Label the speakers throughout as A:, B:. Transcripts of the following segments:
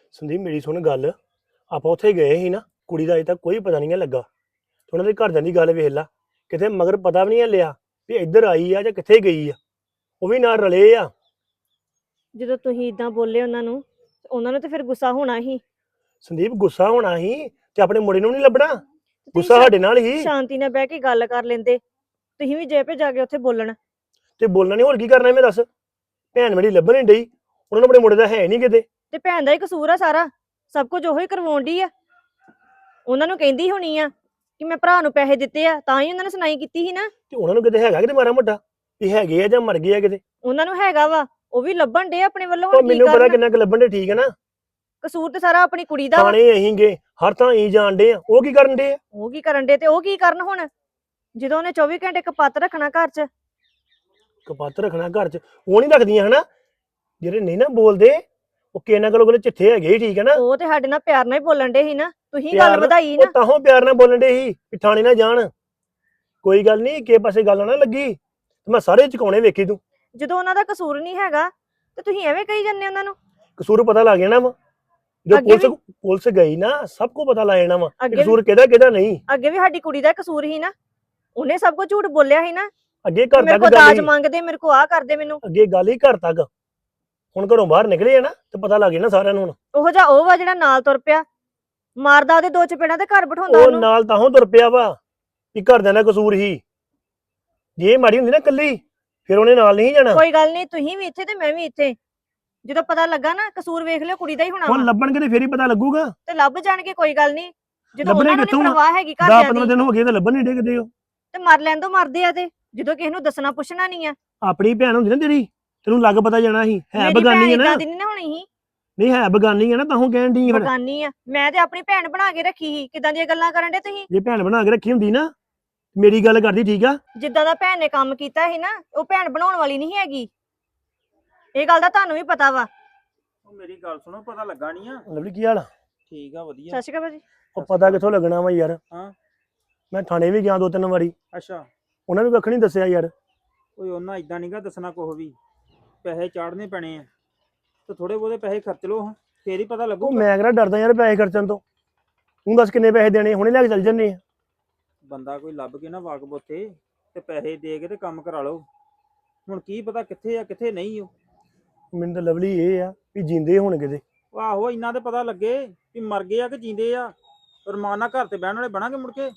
A: ਸੰਦੀਪ ਮੇਰੀ ਸੁਣ ਗੱਲ। ਆਪਾਂ ਉੱਥੇ ਗਏ ਸੀ ਨਾ, ਕੁੜੀ ਦਾ ਅਜੇ ਤੱਕ ਕੋਈ ਪਤਾ ਨਹੀਂ ਲੱਗਾ ਤੇ ਉਹਨਾਂ ਦੇ ਘਰਦਿਆਂ ਦੀ ਗੱਲ ਵੇਖ ਲਾ। ਕਿਤੇ ਮਗਰ ਪਤਾ ਵੀ ਨਹੀਂ ਲਿਆ ਵੀ ਇੱਧਰ ਆਈ ਆ ਜਾਂ ਕਿੱਥੇ ਗਈ ਆ। ਉਹ ਵੀ ਨਾਲ ਰਲੇ ਆ।
B: ਜਦੋਂ ਤੁਸੀਂ ਇਦਾਂ ਬੋਲੇ ਉਹਨਾਂ ਨੂੰ ਤੇ ਫਿਰ ਗੁੱਸਾ ਹੋਣਾ ਹੀ।
A: ਸੰਦੀਪ ਗੁੱਸਾ ਹੋਣਾ ਹੀ ਤੇ ਆਪਣੇ ਮੁੰਡੇ ਨੂੰ ਨਹੀਂ ਲੱਭਣਾ।
B: ਤੁਸੀਂ
A: ਗੁੱਸਾ ਸਾਡੇ ਨਾਲ ਹੀ।
B: ਸ਼ਾਂਤੀ ਨਾਲ ਬਹਿ ਕੇ ਗੱਲ ਕਰ ਲੈਂਦੇ। ਤੁਸੀਂ ਵੀ ਜੇ ਪੇ ਜਾ ਕੇ ਉੱਥੇ ਬੋਲਣ
A: ਤੇ ਬੋਲਣਾ ਨਹੀਂ, ਹੋਰ ਕੀ ਕਰਨਾ ਮੈਂ ਦੱਸ। ਭੈਣ ਮੇਰੀ ਲੱਭਣ ਨਹੀਂ ਡਈ, ਉਹਨਾਂ ਨੂੰ ਆਪਣੇ ਮੁੰਡੇ ਦਾ ਹੈ ਨਹੀਂ ਕਿਤੇ।
B: ਤੇ ਭੈਣ ਦਾ ਹੀ ਕਸੂਰ ਆ ਸਾਰਾ, ਸਭ ਕੁਝ ਉਹੀ ਕਰਵਾਉਣ ਡਈ ਆ। ਉਹਨਾਂ ਨੂੰ ਕਹਿੰਦੀ ਹੋਣੀ ਆ ਕਿ ਮੈਂ ਭਰਾ ਨੂੰ ਪੈਸੇ ਦਿੱਤੇ ਆ, ਤਾਂ ਹੀ ਉਹਨਾਂ ਨੇ ਸੁਣਾਈ ਕੀਤੀ ਸੀ ਨਾ।
A: ਤੇ ਉਹਨਾਂ ਨੂੰ ਕਿਤੇ ਹੈਗਾ ਕਿਤੇ ਮਾਰਾ ਮੋਟਾ ਵੀ ਹੈਗੇ ਆ ਜਾਂ ਮਰ ਗਏ ਆ ਕਿਤੇ।
B: ਉਹਨਾਂ ਨੂੰ ਹੈਗਾ ਵਾ, ਉਹ ਵੀ ਲੱਭਣ ਡੇ ਆਪਣੇ ਵੱਲੋਂ।
A: ਉਹ
B: ਹੁਣ ਕੀ
A: ਮੈਨੂੰ ਪਤਾ
B: ਕਰਨ?
A: ਕਿੰਨਾ ਕੁ ਲੱਭਣ ਦੇ, ਠੀਕ ਹੈ ਨਾ।
B: ਕਸੂਰ ਤੇ ਸਾਰਾ ਆਪਣੀ ਕੁੜੀ ਦਾ ਵਾ।
A: ਥਾਣੇ ਅਸੀਂ ਗਏ, ਹਰ ਥਾਂ ਅਸੀਂ ਜਾਣ ਡੇ ਆ, ਉਹ ਕੀ ਕਰਨ ਡੇ ਆ।
B: ਉਹ ਕੀ ਕਰਨ ਡੇ ਤੇ ਉਹ ਕੀ ਕਰਨ ਹੁਣ, ਜਦੋਂ ਉਹਨੇ 24 ਘੰਟੇ ਕਪੱਤ ਰੱਖਣਾ ਘਰ 'ਚ।
A: ਕਪੱਤ ਰੱਖਣਾ ਘਰ 'ਚ, ਉਹ ਨਹੀਂ ਰੱਖਦੀਆਂ ਹਨਾ। ਜਿਹੜੇ ਨਹੀਂ ਨਾ ਬੋਲਦੇ ਉਹ ਕਿਹਨਾਂ ਕੋਲ ਚਿੱਠੇ ਹੈਗੇ ਹੀ, ਠੀਕ ਹੈ ਨਾ।
B: ਉਹ ਤੇ ਸਾਡੇ ਨਾਲ ਪਿਆਰ ਨਾਲ ਹੀ ਬੋਲਣ ਡੇ ਸੀ ਨਾ, ਤੁਸੀਂ
A: ਪਿਆਰ
B: ਗੱਲ
A: ਨਾਲ-
B: ਵਧਾਈ
A: ਉਹ
B: ਨਾ।
A: ਤਾਹੋਂ ਪਿਆਰ ਨਾਲ ਬੋਲਣ ਡੇ ਸੀ ਵੀ ਥਾਣੇ ਨਾ ਜਾਣ। ਕੋਈ ਗੱਲ ਨਹੀਂ, ਕਿਸੇ ਪਾਸੇ ਗੱਲ ਨਾ ਲੱਗੀ ਤੇ ਮੈਂ ਸਾਰੇ ਚੁਕਾਉਣੇ ਵੇਖੀ ਤੂੰ।
B: ਜਦੋਂ ਉਹਨਾਂ ਦਾ ਕਸੂਰ ਨਹੀਂ ਹੈਗਾ ਤੇ ਤੁਸੀਂ ਐਵੇਂ ਕਹੀ ਜਾਂਦੇ ਉਹਨਾਂ ਨੂੰ।
A: ਕਸੂਰ ਪਤਾ ਲੱਗ ਜਾਣਾ ਵਾ ਜਦੋਂ
B: ਅੱਗੇ ਵੀ-
A: ਪੁਲਿਸ ਗਈ ਨਾ, ਸਭ ਕੁਝ ਪਤਾ ਲੱਗ ਜਾਣਾ ਵਾ ਕਿ
B: ਅੱਗੇ
A: ਕਸੂਰ ਕਿਹਦਾ ਕਿਹਦਾ ਨਹੀਂ।
B: ਅੱਗੇ ਵੀ ਸਾਡੀ ਕੁੜੀ ਦਾ ਕਸੂਰ ਹੀ ਨਾ, ਉਹਨੇ ਸਭ ਕੁਝ ਝੂਠ ਬੋਲਿਆ ਸੀ ਨਾ।
A: ਅੱਗੇ ਘਰ
B: ਮੇਰੇ
A: ਤੱਕ
B: ਕੋਲ
A: ਗੱਲ
B: ਦਾਜ
A: ਹੀ,
B: ਮੰਗਦੇ, ਮੇਰੇ ਕੋਲ ਆਹ ਕਰਦੇ ਮੈਨੂੰ।
A: ਅੱਗੇ ਗੱਲ ਹੀ ਘਰ ਤੱਕ। ਹੁਣ ਘਰੋਂ ਬਾਹਰ ਨਿਕਲੇ ਆ ਨਾ ਤੇ ਪਤਾ ਲੱਗ ਜਾਣਾ ਸਾਰਿਆਂ ਨੂੰ। ਹੁਣ
B: ਉਹੋ ਜਿਹਾ ਉਹ ਵਾ ਜਿਹੜਾ ਨਾਲ ਤੁਰ ਪਿਆ, ਮਾਰਦਾ ਉਹਦੇ ਦੋ ਚਪੇੜਾਂ ਤੇ ਘਰ ਬਿਠਾਉਂਦਾ
A: ਉਹ
B: ਉਹਨੂੰ।
A: ਨਾਲ ਤਾਹੋਂ ਤੁਰ ਪਿਆ ਵਾ ਵੀ ਘਰਦਿਆਂ ਦਾ ਕਸੂਰ ਹੀ। ਜੇ ਇਹ ਮਾੜੀ ਹੁੰਦੀ ਨਾ ਕੱਲੀ, ਫਿਰ ਉਹਨੇ ਨਾਲ ਨਹੀਂ ਜਾਣਾ।
B: ਕੋਈ ਗੱਲ ਨਹੀਂ, ਤੁਸੀਂ ਵੀ ਇੱਥੇ ਤੇ ਮੈਂ ਵੀ ਇੱਥੇ। ਜਦੋਂ ਪਤਾ ਲੱਗਾ ਨਾ ਕਸੂਰ ਵੇਖ ਲਿਓ ਕੁੜੀ ਦਾ ਹੀ ਹੋਣਾ
A: ਹੁਣ
B: ਵਾ,
A: ਲੱਭਣਗੇ ਤੇ ਫੇਰ ਹੀ ਪਤਾ ਲੱਗੂਗਾ।
B: ਤੇ ਲੱਭ ਜਾਣਗੇ, ਕੋਈ ਗੱਲ ਨਹੀਂ। ਜਦੋਂ
A: ਲੱਭਣੇ
B: ਉਹਨਾਂ ਨੂੰ ਨੀ
A: ਕਿੱਥੋਂ ਆ?
B: ਪਰਵਾਹ ਹੈਗੀ
A: 10
B: ਘਰਦਿਆਂ
A: 15
B: ਦੀ,
A: ਦਿਨ ਹੋ ਗਏ ਤੇ ਲੱਭਣ ਨਹੀਂ ਡਿੱਗਦੇ ਉਹ।
B: ਤੇ ਮਰ ਲੈਣ ਦੋ, ਮਰਦੇ ਆ ਤੇ ਜਦੋਂ ਕਿਸੇ ਨੂੰ ਦੱਸਣਾ ਪੁੱਛਣਾ ਨਹੀਂ ਆ।
A: ਆਪਣੀ ਭੈਣ ਹੁੰਦੀ ਨਾ ਤੇਰੀ, ਤੈਨੂੰ ਲੱਗ ਪਤਾ ਜਾਣਾ ਸੀ। ਹੈ
B: ਮੇਰੀ ਭੈਣ
A: ਬਗਾਨੀ ਹੈ ਨਾ।
B: ਇਦਾਂ ਦੀ ਨਹੀਂ ਹੋਣੀ ਸੀ।
A: ਨਹੀਂ ਹੈ ਬਗਾਨੀ ਹੈ ਨਾ, ਤਾਹੋਂ ਕਹਿਣ ਦੀ ਫਿਰ।
B: ਬਗਾਨੀ ਆ, ਮੈਂ ਤੇ ਆਪਣੀ ਭੈਣ ਬਣਾ ਕੇ ਰੱਖੀ ਸੀ। ਕਿਦਾਂ ਦੀਆਂ ਗੱਲਾਂ ਕਰਨ ਡੇ ਤੁਸੀਂ?
A: ਜੇ ਭੈਣ ਬਣਾ ਕੇ ਰੱਖੀ ਹੁੰਦੀ ਨਾ, ਮੇਰੀ ਗੱਲ ਕਰਦੀ, ਠੀਕ ਆ।
B: ਜਿੱਦਾਂ ਦਾ ਭੈਣ ਨੇ ਕੰਮ ਕੀਤਾ ਸੀ ਨਾ, ਉਹ ਭੈਣ ਬਣਾਉਣ ਵਾਲੀ ਨਹੀਂ ਹੈਗੀ। ਇਹ ਗੱਲ ਦਾ ਤੁਹਾਨੂੰ ਵੀ ਪਤਾ ਵਾ।
C: ਉਹ ਮੇਰੀ ਗੱਲ ਸੁਣੋ, ਪਤਾ ਲੱਗਾ ਨਹੀਂ ਆ।
A: ਲਵਲੀ ਕੀ ਹਾਲ ਆ?
C: ਠੀਕ ਆ, ਵਧੀਆ।
B: ਸਤਿ ਸ਼੍ਰੀ ਅਕਾਲ ਭਾਜੀ।
A: ਉਹ ਪਤਾ ਕਿੱਥੋਂ ਲੱਗਣਾ ਵਾ ਯਾਰ।
C: ਹਾਂ।
A: ਮੈਂ ਥਾਣੇ ਵੀ ਗਿਆ 2-3 ਵਾਰੀ,
C: ਅੱਛਾ।
A: ਉਹਨਾਂ ਵੀ ਕੱਖ ਨਹੀਂ ਦੱਸਿਆ ਯਾਰ।
C: ਓਏ ਉਹਨਾਂ ਇਦਾਂ ਨਹੀਂਗਾ ਦੱਸਣਾ ਕੁਛ ਵੀ। ਪੈਸੇ ਚਾੜਨੇ ਪੈਣੇ ਆ ਤੇ ਥੋੜੇ ਬਹੁਤੇ ਪੈਸੇ ਖਰਚ ਲਓ, ਫੇਰ ਹੀ ਪਤਾ
A: ਉਹ
C: ਲੱਗੂਗਾ।
A: ਮੈਂ ਕਿਹੜਾ ਡਰਦਾ ਯਾਰ ਪੈਸੇ ਖਰਚਣ ਤੋਂ। ਤੂੰ ਦੱਸ ਕਿੰਨੇ ਪੈਸੇ ਦੇਣੇ, ਹੁਣੇ ਲੈ ਕੇ ਚੱਲ ਜੰਨੇ ਆ।
C: ਬੰਦਾ ਕੋਈ ਲੱਭ ਕੇ ਨਾ ਵਾਕਬ ਉੱਥੇ ਤੇ ਪੈਸੇ ਦੇ ਕੇ ਤੇ ਕੰਮ ਕਰਾ ਲਓ। ਹੁਣ ਕੀ ਪਤਾ ਕਿੱਥੇ ਆ ਕਿੱਥੇ ਨਹੀਂ। ਉਹ
A: ਮੈਨੂੰ ਤਾਂ ਲਵਲੀ ਇਹ ਆ ਵੀ ਜਿੰਦੇ ਹੋਣ ਕਿਤੇ।
C: ਆਹੋ, ਇੰਨਾ ਤੇ ਪਤਾ ਲੱਗੇ ਵੀ ਮਰ ਗਏ ਆ ਕਿ ਜੀਂਦੇ ਆ। ਰਮਾਨਾ ਘਰ ਤੇ ਬਹਿਣ ਵਾਲੇ ਬਣਾਂਗੇ ਮੁੜ ਕੇ।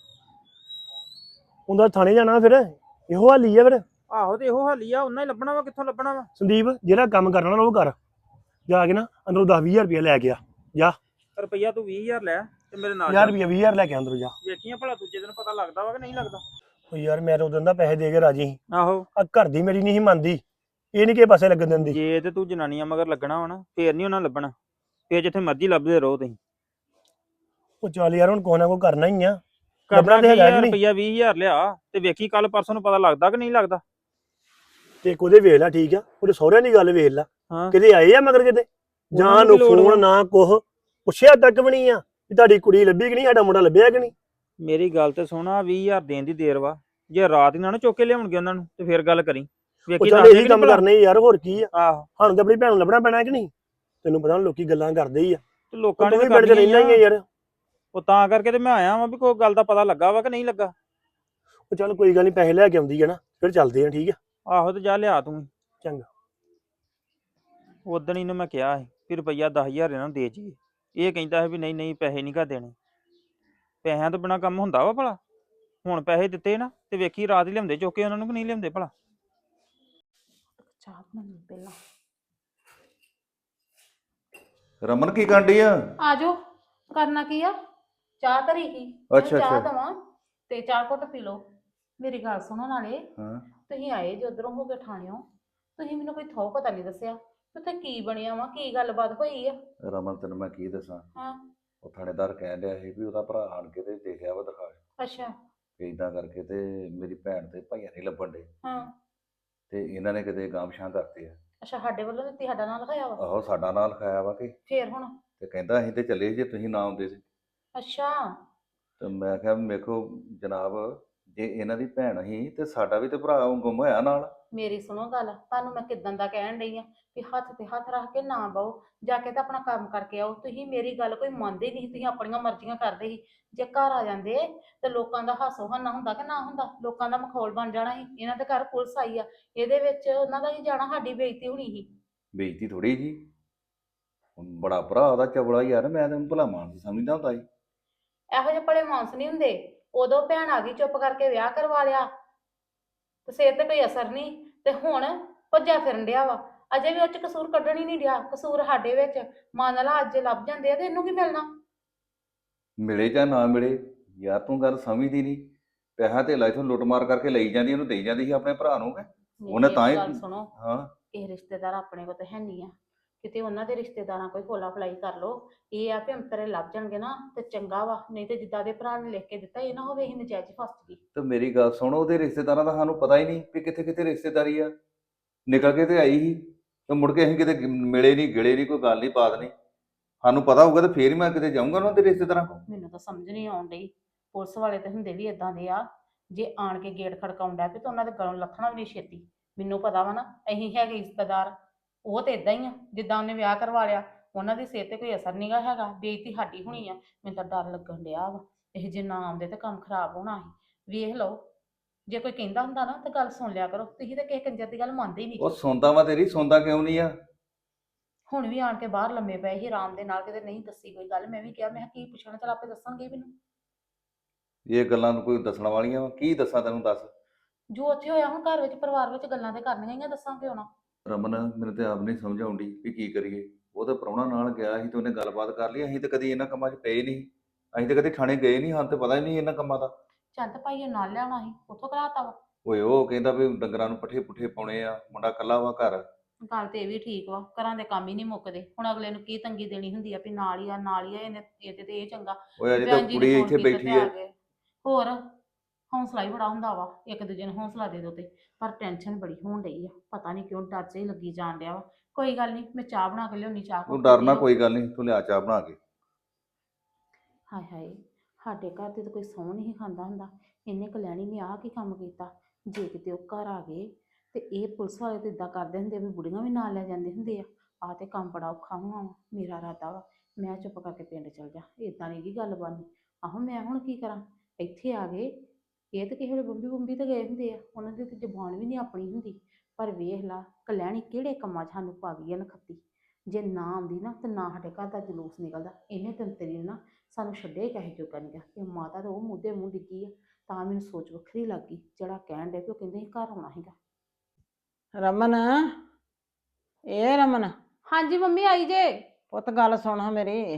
A: ਉਹਦਾ ਥਾਣੇ ਜਾਣਾ ਫਿਰ, ਇਹੋ ਹਾਲੀ ਆ ਫਿਰ।
C: ਆਹੋ, ਤੇ ਇਹੋ ਹਾਲੀ ਆ। ਉਹਨਾਂ ਹੀ ਲੱਭਣਾ ਵਾ, ਕਿੱਥੋਂ ਲੱਭਣਾ ਵਾ।
A: ਸੰਦੀਪ ਜਿਹੜਾ ਕੰਮ ਕਰਨਾ ਨਾ ਉਹ ਕਰ, ਜਾ ਕੇ ਨਾ ਅੰਦਰੋਂ 10-20 ਰੁਪਇਆ ਲੈ ਗਿਆ ਜਾ।
C: ਰੁਪਈਆ ਤੂੰ 20,000 ਲੈ ਤੇ ਮੇਰੇ ਨਾਲ
A: 1000 ਰੁਪਇਆ 20,000 ਲੈ ਕੇ ਅੰਦਰੋਂ ਜਾ।
C: ਵੇਖੀਆਂ ਭਲਾ ਦੂਜੇ ਦਿਨ ਪਤਾ ਲੱਗਦਾ ਵਾ ਕਿ ਨਹੀਂ ਲੱਗਦਾ।
A: ਉਹ ਯਾਰ ਮੈਂ ਤਾਂ ਉਦੋਂ ਦਾ ਪੈਸੇ ਦੇ ਕੇ ਰਾਜੀ ਸੀ।
C: ਆਹੋ,
A: ਆ ਘਰ ਦੀ ਮੇਰੀ ਨਹੀਂ ਸੀ ਮੰਨਦੀ, ਇਹ ਨਹੀਂ ਕਿਸੇ ਪਾਸੇ ਲੱਗਣ ਦਿੰਦੀ।
C: ਜੇ ਤੇ ਤੂੰ ਜਨਾਨੀਆਂ ਮਗਰ ਲੱਗਣਾ ਵਾ ਨਾ, ਫੇਰ ਨਹੀਂ ਉਹਨਾਂ ਲੱਭਣਾ। ਫੇਰ ਜਿੱਥੇ ਮਰਜ਼ੀ ਲੱਭਦੇ ਰਹੋ ਤੁਸੀਂ।
A: ਉਹ ਚੱਲ ਯਾਰ ਹੁਣ ਕੋਈ ਨਾ ਕੋਈ ਕਰਨਾ ਹੀ ਆ।
C: ਕਰਨਾ
A: ਲੱਭਣਾ ਤੇ
C: ਕੀ
A: ਹੈਗਾ
C: ਆ,
A: ਕਿ ਨਹੀਂ?
C: ਰੁਪਈਆ 20,000 ਲਿਆ ਤੇ ਵੇਖੀ ਕੱਲ ਪਰਸੋਂ ਨੂੰ ਪਤਾ ਲੱਗਦਾ ਕਿ ਨਹੀਂ ਲੱਗਦਾ।
A: ਤੇ ਉਹਦੇ ਵੇਖ ਲੈ, ਠੀਕ ਆ, ਉਹਦੇ ਸਹੁਰਿਆਂ ਦੀ ਗੱਲ ਵੇਖ ਲੈ।
C: ਹਾਂ,
A: ਕਿਤੇ ਆਏ ਆ ਮਗਰ ਕਿਤੇ? ਜਾਂ
C: ਉਹਨਾਂ ਨੂੰ
A: ਨੂੰ
C: ਕੀ ਲੋੜ ਵਾ?
A: ਫੋਨ ਨਾ ਕੁਛ ਪੁੱਛਿਆ ਤੱਕ ਵੀ ਨਹੀਂ ਆ ਵੀ ਤੁਹਾਡੀ ਕੁੜੀ ਲੱਭੀ ਕਿ ਨਹੀਂ, ਸਾਡਾ ਮੁੰਡਾ ਲੱਭਿਆ ਕਿ ਨਹੀਂ।
C: ਮੇਰੀ ਗੱਲ ਤੇ ਸੁਣਾ, 20,000 ਦੇਣ ਦੀ ਦੇਰ ਵਾ। ਜੇ ਰਾਤ ਹੀ ਨਾ ਚੁੱਕ ਕੇ ਲਿਆਉਣਗੇ ਉਹਨਾਂ ਨੂੰ ਤੇ ਫੇਰ ਗੱਲ ਕਰੀ।
A: ਉਹ
C: ਵੇਖੀ
A: ਚੱਲ
C: ਦੱਸਦੇ
A: ਇਹੀ
C: ਕਿ
A: ਕੰਮ
C: ਨਹੀਂ ਭਲਾ।
A: ਕਰਨੇ ਯਾਰ, ਹੋਰ ਕੀ ਆ।
C: ਆਹੋ,
A: ਸਾਨੂੰ ਤਾਂ ਆਪਣੀ ਭੈਣ ਨੂੰ ਲੱਭਣਾ ਪੈਣਾ ਕਿ ਨਹੀਂ। ਤੈਨੂੰ ਪਤਾ ਲੋਕੀ ਗੱਲਾਂ ਕਰਦੇ ਹੀ ਆ।
C: ਤੇ ਲੋਕਾਂ
A: ਤੂੰ
C: ਨੇ
A: ਵੀ
C: ਤਾਂ
A: ਪਿੰਡ 'ਚ ਰਹਿਣਾ ਹੀ ਆ ਯਾਰ।
C: ਉਹ ਤਾਂ ਕਰਕੇ ਤੇ ਮੈਂ ਆਇਆ ਵਾਂ ਵੀ ਕੋਈ ਗੱਲ ਦਾ ਪਤਾ ਲੱਗਾ ਵਾ ਕਿ ਨਹੀਂ ਲੱਗਾ।
A: ਉਹ ਚੱਲ ਕੋਈ ਗੱਲ ਨਹੀਂ, ਪੈਸੇ ਲੈ ਕੇ ਆਉਂਦੀ ਹੈ ਨਾ, ਫਿਰ ਚੱਲਦੇ ਆ, ਠੀਕ ਆ।
C: ਆਹੋ, ਤੇ ਜਾ ਲਿਆ ਤੂੰ।
A: ਚੰਗਾ।
C: ਉਦਣ ਇਹਨੂੰ ਮੈਂ ਕਿਹਾ ਸੀ ਵੀ ਰੁਪਈਆ 10,000 ਇਹਨਾਂ ਨੂੰ ਦੇ ਜੀ। ਇਹ ਕਹਿੰਦਾ ਹੈ ਵੀ ਨਹੀਂ ਨਹੀਂ, ਪੈਸੇ ਨਹੀਂ ਘਰ ਦੇਣੇ। ਪੈਸਿਆਂ ਤੋਂ ਬਿਨਾਂ ਕੰਮ ਹੁੰਦਾ ਵਾ ਭਲਾ। ਹੁਣ ਪੈਸੇ ਦਿੱਤੇ ਨਾ ਤੇ ਵੇਖੀ ਰਾਤ ਹੀ ਲਿਆਉਂਦੇ ਚੁੱਕ ਕੇ ਉਹਨਾਂ ਨੂੰ ਕਿ ਨਹੀਂ ਲਿਆਉਂਦੇ ਭਲਾ।
D: ਚਾਹ ਬਣਾਉਣੀ ਪਹਿਲਾਂ।
E: ਰਮਨ ਕੀ ਕਾਂਡੀ ਆ?
D: ਆਜੋ, ਕਰਨਾ ਕੀ ਆ? ਚਾਹ ਧਰੀ ਸੀ।
E: ਅੱਛਾ,
D: ਚਾਹ
E: ਅੱਛਾ।
D: ਦਵਾਂ ਤੇ ਚਾਹ ਘੁੱਟ ਪੀ ਲਓ। ਮੇਰੀ ਗੱਲ ਸੁਣੋ, ਨਾਲੇ
E: ਹਾਂ,
D: ਤੁਸੀਂ ਆਏ ਜੇ ਉਧਰੋਂ ਹੋ ਕੇ ਠਾਣਿਓ, ਤੁਸੀਂ ਮੈਨੂੰ ਕੋਈ ਥੋ ਪਤਾ ਨਹੀਂ ਦੱਸਿਆ ਉੱਥੇ ਕੀ ਬਣਿਆ ਵਾ, ਕੀ ਗੱਲਬਾਤ ਹੋਈ ਆ?
E: ਰਮਨ ਤੈਨੂੰ ਮੈਂ ਕੀ ਦੱਸਾਂ।
D: ਹਾਂ।
E: ਉਹ ਥਾਣੇਦਾਰ ਕਹਿਣ ਡਿਆ ਸੀ ਵੀ ਉਹਦਾ ਭਰਾ ਆਣ ਕੇ ਤੇ ਦੇਖਿਆ ਵਾ ਦਿਖਾ
D: ਅੱਛਾ।
E: ਕੇ ਇਦਾਂ ਕਰਕੇ ਤੇ ਮੇਰੀ ਭੈਣ ਤੇ ਭਾਈਆਂ ਨਹੀਂ ਲੱਭਣ ਡੇ
D: ਹਾਂ।
E: ਤੇ ਇਹਨਾਂ ਨੇ ਕਿਤੇ ਗਾਮਸ਼ਾਂ ਕਰਤੇ ਆ।
D: ਅੱਛਾ, ਸਾਡੇ ਵੱਲੋਂ ਦਿੱਤੀ, ਸਾਡਾ ਨਾਂ ਲਿਖਾਇਆ ਵਾ?
E: ਆਹੋ, ਸਾਡਾ ਨਾਂ ਲਿਖਾਇਆ ਵਾ ਕਿ
D: ਫੇਰ ਹੁਣ?
E: ਤੇ ਕਹਿੰਦਾ ਅਸੀਂ ਤੇ ਚੱਲੇ ਜੇ ਤੁਸੀਂ ਨਾ ਆਉਂਦੇ ਸੀ।
D: ਅੱਛਾ।
E: ਤੇ ਮੈਂ ਕਿਹਾ ਵੇਖੋ ਜਨਾਬ, ਜੇ ਇਹਨਾਂ ਦੀ ਭੈਣ ਸੀ ਤੇ ਸਾਡਾ ਵੀ ਤੇ ਭਰਾ ਗੁੰਮ ਹੋਇਆ ਨਾਲ।
D: ਮੇਰੀ ਸੁਣੋ ਗੱਲ, ਤੁਹਾਨੂੰ ਮੈਂ ਕਿਦਾਂ ਦਾ ਕਹਿਣ ਡਈ ਆ ਵੀ ਹੱਥ ਤੇ ਹੱਥ ਰੱਖ ਕੇ ਨਾ ਬਹੁ, ਜਾ ਕੇ ਤਾਂ ਆਪਣਾ ਕੰਮ ਕਰਕੇ ਆਓ। ਤੁਸੀਂ ਮੇਰੀ ਗੱਲ ਕੋਈ ਮੰਨਦੇ ਨਹੀਂ, ਤੁਸੀਂ ਆਪਣੀਆਂ ਮਰਜ਼ੀਆਂ ਕਰਦੇ ਸੀ। ਜੇ ਘਰ ਆ ਜਾਂਦੇ ਤੇ ਲੋਕਾਂ ਦਾ ਹਾਸੋ ਹਾਨਾ ਹੁੰਦਾ ਕਿ ਨਾ ਹੁੰਦਾ, ਲੋਕਾਂ ਦਾ ਮਖੌਲ ਬਣ ਜਾਣਾ ਸੀ। ਇਹਨਾਂ ਦੇ ਘਰ ਪੁਲਿਸ ਆਈ ਆ, ਇਹਦੇ ਵਿੱਚ ਉਹਨਾਂ ਦਾ ਹੀ ਜਾਣਾ, ਸਾਡੀ ਬੇਇੱਜ਼ਤੀ ਹੋਣੀ ਸੀ।
E: ਬੇਇੱਜ਼ਤੀ ਥੋੜੀ ਜੀ, ਹੁਣ ਬੜਾ ਭਰਾ ਉਹਦਾ ਚਵਲਾ ਯਾਰ, ਮੈਂ ਤੈਨੂੰ ਭਲਾ ਮਾਨਸ ਸਮਝਦਾ ਹੁੰਦਾ ਸੀ।
D: ਇਹੋ ਜਿਹੇ ਭਲੇ ਮਾਨਸ ਨਹੀਂ ਹੁੰਦੇ। ਉਦੋਂ ਭੈਣ ਆ ਗਈ, ਚੁੱਪ ਕਰਕੇ ਵਿਆਹ ਕਰਵਾ ਲਿਆ ਤੇ ਸਿਰ ਤੇ ਕੋਈ ਅਸਰ ਨਹੀਂ, ਤੇ ਹੁਣ ਭੱਜਾ ਫਿਰਨ ਡਿਆ ਵਾ। ਅਜੇ ਵੀ ਉਹ ਚ ਕਸੂਰ ਕੱਢਣ ਹੀ ਨਹੀਂ ਡਿਆ, ਕਸੂਰ ਸਾਡੇ ਵਿੱਚ। ਮੰਨ ਲਾ ਅੱਜ ਲੱਭ ਜਾਂਦੇ ਆ ਤੇ ਇਹਨੂੰ ਕੀ ਮਿਲਣਾ?
E: ਮਿਲੇ ਜਾਂ ਨਾ ਮਿਲੇ, ਯਾਰ ਤੂੰ ਗੱਲ ਸਮਝਦੀ ਨਹੀਂ। ਪੈਸਾ ਧੇਲਾ ਇਥੋਂ ਲੁੱਟਮਾਰ ਕਰਕੇ ਲਈ ਜਾਂਦੀ, ਉਹਨੂੰ ਦੇਈ ਜਾਂਦੀ ਸੀ ਆਪਣੇ ਭਰਾ ਨੂੰ ਕਿ ਉਹਨੇ
D: ਮੇਰੀ
E: ਤਾਂ ਹੀ।
D: ਗੱਲ ਸੁਣੋ,
E: ਹਾਂ,
D: ਇਹ ਰਿਸ਼ਤੇਦਾਰ ਆਪਣੇ ਕੋਲ ਤਾਂ ਹੈ ਨਹੀਂ ਆ, ਕਿਤੇ ਉਹਨਾਂ ਦੇ ਰਿਸ਼ਤੇਦਾਰਾਂ ਕੋਈ ਖੋਲਾ ਫਲਾਈ ਕਰ ਲੋ। ਇਹ ਆ ਵੀ ਅੰਤਰੇ ਲੱਭ ਜਾਣਗੇ ਨਾ ਤੇ ਚੰਗਾ ਵਾ, ਨਹੀਂ ਤੇ ਜਿੱਦਾਂ ਦੇ ਭਰਾ ਨੇ ਲਿਖ ਕੇ ਦਿੱਤਾ, ਇਹ ਨਾ ਹੋਵੇ ਇਹ ਨਜਾਇਜ਼ ਫਸ ਗਈ।
E: ਤੇ ਮੇਰੀ ਗੱਲ ਸੁਣ, ਉਹਦੇ ਰਿਸ਼ਤੇਦਾਰਾਂ ਦਾ ਸਾਨੂੰ ਪਤਾ ਹੀ ਨਹੀਂ ਵੀ ਕਿੱਥੇ ਕਿੱਥੇ ਰਿਸ਼ਤੇਦਾਰੀ ਆ। ਨਿਕਲ ਕੇ ਤੇ ਆਈ ਸੀ ਤੇ ਮੁੜ ਕੇ ਅਸੀਂ ਕਿਤੇ ਮਿਲੇ ਨਹੀਂ ਗਿਲੇ ਨਹੀਂ, ਕੋਈ ਗੱਲ ਨਹੀਂ ਬਾਤ ਨਹੀਂ। ਸਾਨੂੰ ਪਤਾ ਹੋਊਗਾ ਤੇ ਫੇਰ ਹੀ ਮੈਂ ਕਿਤੇ ਜਾਊਂਗਾ ਉਹਨਾਂ ਦੇ ਰਿਸ਼ਤੇਦਾਰਾਂ ਕੋਲ।
D: ਮੈਨੂੰ ਤਾਂ ਸਮਝ ਨਹੀਂ ਆਉਣ ਡਈ, ਪੁਲਿਸ ਵਾਲੇ ਤੇ ਹੁੰਦੇ ਵੀ ਇਦਾਂ ਦੇ ਆ, ਜੇ ਆਣ ਕੇ ਗੇਟ ਖੜਕਾਉਣ ਡੈ ਪਏ ਤਾਂ ਉਹਨਾਂ ਦੇ ਗਲੋਂ ਲੱਥਣਾ ਵੀ ਨਹੀਂ ਛੇਤੀ। ਮੈਨੂੰ ਪਤਾ ਵਾ ਨਾ, ਅਸੀਂ ਹੈਗੇ ਰਿਸ਼ਤੇਦਾਰ। ਉਹ ਤੇ ਇਦਾਂ ਹੀ ਆ, ਜਿੱਦਾਂ ਉਹਨੇ ਵਿਆਹ ਕਰਵਾ ਲਿਆ, ਉਹਨਾਂ ਦੀ ਸਿਹਤ ਤੇ ਕੋਈ ਅਸਰ ਨਹੀਂਗਾ ਹੈਗਾ, ਬੇਇੱਜ਼ਤੀ ਸਾਡੀ ਹੋਣੀ ਆ। ਮੈਨੂੰ ਤਾਂ ਡਰ ਲੱਗਣ ਡਿਆ ਵਾ, ਇਹ ਜੇ ਨਾ ਆਉਂਦੇ ਤੇ ਕੰਮ ਖਰਾਬ ਹੋਣਾ ਸੀ। ਵੇਖ ਲਓ, ਜੇ ਕੋਈ ਕਹਿੰਦਾ ਹੁੰਦਾ ਨਾ ਤਾਂ ਗੱਲ ਸੁਣ ਲਿਆ ਕਰੋ। ਤੁਸੀਂ ਤਾਂ ਕਿਸੇ ਕੰਜਰ ਦੀ ਗੱਲ ਮੰਨਦੇ ਹੀ
E: ਉਹ
D: ਨਹੀਂ।
E: ਸੁਣਦਾ ਵਾ ਤੇਰੀ, ਸੁਣਦਾ ਕਿਉਂ ਨਹੀਂ ਆ?
D: ਹੁਣ ਵੀ ਆਣ ਕੇ ਬਾਹਰ ਲੰਮੇ ਪਏ ਸੀ ਆਰਾਮ ਦੇ ਨਾਲ, ਕਿਤੇ ਨਹੀਂ ਦੱਸੀ ਕੋਈ ਗੱਲ। ਮੈਂ ਵੀ ਕਿਹਾ, ਮੈਂ ਕਿਹਾ ਕੀ ਪੁੱਛਣਾ, ਚਲ ਆਪੇ ਦੱਸਣਗੇ ਮੈਨੂੰ।
E: ਇਹ ਗੱਲਾਂ ਨੂੰ ਕੋਈ ਦੱਸਣ ਵਾਲੀਆਂ ਵਾ? ਕੀ ਦੱਸਾਂ ਤੈਨੂੰ, ਦੱਸ।
D: ਜੋ ਉੱਥੇ ਹੋਇਆ ਹੁਣ ਘਰ ਵਿੱਚ ਪਰਿਵਾਰ ਵਿੱਚ ਗੱਲਾਂ ਤੇ ਕਰਨੀਆਂ ਹੀ ਆ, ਦੱਸਾਂ ਕਿਉਂ ਨਾ।
E: ਰਮਨ, ਮੈਨੂੰ ਤੇ ਆਪ ਨਹੀਂ ਸਮਝ ਆਉਂਦੀ ਵੀ ਕੀ ਕਰੀਏ। ਉਹ ਤਾਂ ਪ੍ਰਾਹੁਣਾ ਨਾਲ ਗਿਆ ਸੀ ਤੇ ਉਹਨੇ ਗੱਲਬਾਤ ਕਰ ਲਈ। ਅਸੀਂ ਤਾਂ ਕਦੀ ਇਹਨਾਂ ਕੰਮਾਂ 'ਚ ਪਏ ਨਹੀਂ, ਅਸੀਂ ਤਾਂ ਕਦੀ ਥਾਣੇ ਗਏ ਨਹੀਂ, ਸਾਨੂੰ ਤਾਂ ਪਤਾ ਹੀ ਨਹੀਂ ਇਹਨਾਂ ਕੰਮਾਂ ਦਾ।
D: ਚੰਦ ਭਾਈ ਨਾਲ ਲਿਆਉਣਾ ਸੀ, ਉੱਥੋਂ ਕਰਾਤਾ ਵਾ।
E: ਓਏ ਉਹ ਕਹਿੰਦਾ ਵੀ ਡੰਗਰਾਂ ਨੂੰ ਪੱਠੇ ਪੁੱਠੇ ਪਾਉਣੇ ਆ, ਮੁੰਡਾ ਇਕੱਲਾ ਵਾ ਘਰ।
D: ਗੱਲ ਤੇ ਇਹ ਵੀ ਠੀਕ ਵਾ, ਘਰਾਂ ਦੇ ਕੰਮ ਹੀ ਨਹੀਂ ਮੁੱਕਦੇ। ਹੁਣ ਅਗਲੇ ਨੂੰ ਕੀ ਤੰਗੀ ਦੇਣੀ ਹੁੰਦੀ ਆ ਵੀ ਨਾਲ ਹੀ ਆ ਨਾਲ ਹੀ ਆ, ਇਹਨੇ ਇਹਦੇ ਤੇ ਇਹ ਚੰਗਾ।
E: ਓਏ ਅਜੇ ਤਾਂ
D: ਭੈਣ ਜੀ ਨੇ
E: ਕੁੜੀ
D: ਫੋਨ
E: ਇੱਥੇ
D: ਕੀਤਾ
E: ਬੈਠੀ
D: ਤੇ ਆ
E: ਹੈ।
D: ਗਏ। ਹੋਰ ਹੌਸਲਾ ਹੀ ਬੜਾ ਹੁੰਦਾ ਵਾ, ਇੱਕ ਦੂਜੇ ਨੂੰ ਹੌਸਲਾ ਦੇ ਦੋ ਤੇ। ਪਰ ਟੈਨਸ਼ਨ ਬੜੀ ਹੋਣ ਡਈ ਆ, ਪਤਾ ਨਹੀਂ ਕਿਉਂ ਡਰ ਜਿਹਾ ਹੀ ਲੱਗੀ ਜਾਣ ਡਿਆ ਵਾ। ਕੋਈ ਗੱਲ ਨਹੀਂ, ਮੈਂ ਚਾਹ ਬਣਾ ਕੇ ਲਿਆਉਣੀ, ਚਾਹ
E: ਤੂੰ
D: ਘੁੱਟ
E: ਡਰਨਾ,
D: ਪੀਓ।
E: ਕੋਈ ਗੱਲ ਨਹੀਂ, ਤੂੰ ਲਿਆ ਚਾਹ ਬਣਾ ਕੇ।
D: ਹਾਏ ਹਾਏ, ਸਾਡੇ ਘਰ ਤੇ ਤਾਂ ਕੋਈ ਸਹੁੰ ਨਹੀਂ ਖਾਂਦਾ ਹੁੰਦਾ। ਇਹਨੇ ਕਲਿਆਣੀ ਨੇ ਆਹ ਕੀ ਕੰਮ ਕੀਤਾ? ਜੇ ਕਿਤੇ ਉਹ ਘਰ ਆ ਗਏ ਤੇ ਇਹ ਪੁਲਿਸ ਵਾਲੇ ਤਾਂ ਇਦਾਂ ਕਰਦੇ ਹੁੰਦੇ ਵੀ ਬੁੜੀਆਂ ਵੀ ਨਾਲ ਲੈ ਜਾਂਦੇ ਹੁੰਦੇ ਆ। ਆਹ ਤੇ ਕੰਮ ਬੜਾ ਔਖਾ ਹੋਣਾ ਵਾ। ਮੇਰਾ ਇਰਾਦਾ ਵਾ ਮੈਂ ਚੁੱਪ ਕਰਕੇ ਪਿੰਡ ਚਲ ਜਾ, ਇਦਾਂ ਨਹੀਂ ਗੀ ਗੱਲ ਬਣਨੀ। ਆਹੋ ਮੈਂ ਹੁਣ ਕੀ ਕਰਾਂ? ਇੱਥੇ ਆ ਗਏ, ਇਹ ਤਾਂ ਕਿਸੇ ਵੇਲੇ ਬੰਬੀ ਬੰਬੀ ਤੇ ਗਏ ਹੁੰਦੇ ਆ, ਉਹਨਾਂ ਦੀ ਤੇ ਜ਼ੁਬਾਨ ਵੀ ਨਹੀਂ ਆਪਣੀ ਹੁੰਦੀ। ਪਰ ਵੇਖ ਲਾ ਕਲਿਆਣੀ ਕਿਹੜੇ ਕੰਮਾਂ 'ਚ ਸਾਨੂੰ ਪਾ ਗਈ ਆ ਨਖੱਤੀ। ਜੇ ਨਾ ਆਉਂਦੀ ਨਾ ਤੇ ਨਾ ਸਾਡੇ ਘਰ ਦਾ ਜਲੂਸ ਨਿਕਲਦਾ। ਇਹਨੇ ਤੰਤਰੀ ਨੇ ਨਾ ਸਾਨੂੰ ਛੱਡੇ ਕਹੇ ਜੋਗਾ ਨਹੀਂ ਗਾ। ਇਹ ਮਾਤਾ ਤਾਂ ਉਹ ਮੁੱਦੇ ਮੂੰਹ ਡਿੱਗੀ ਆ, ਤਾਂ ਮੈਨੂੰ ਸੋਚ ਵੱਖਰੀ ਲੱਗ ਗਈ। ਜਿਹੜਾ ਕਹਿਣ ਡੇ ਵੀ ਉਹ ਕਹਿੰਦੇ ਸੀ ਘਰ ਆਉਣਾ ਸੀਗਾ।
F: ਰਮਨ, ਇਹ ਰਮਨ,
D: ਹਾਂਜੀ ਮੰਮੀ, ਆਈ ਜੇ।
F: ਪੁੱਤ ਗੱਲ ਸੁਣ ਹਾਂ ਮੇਰੀ।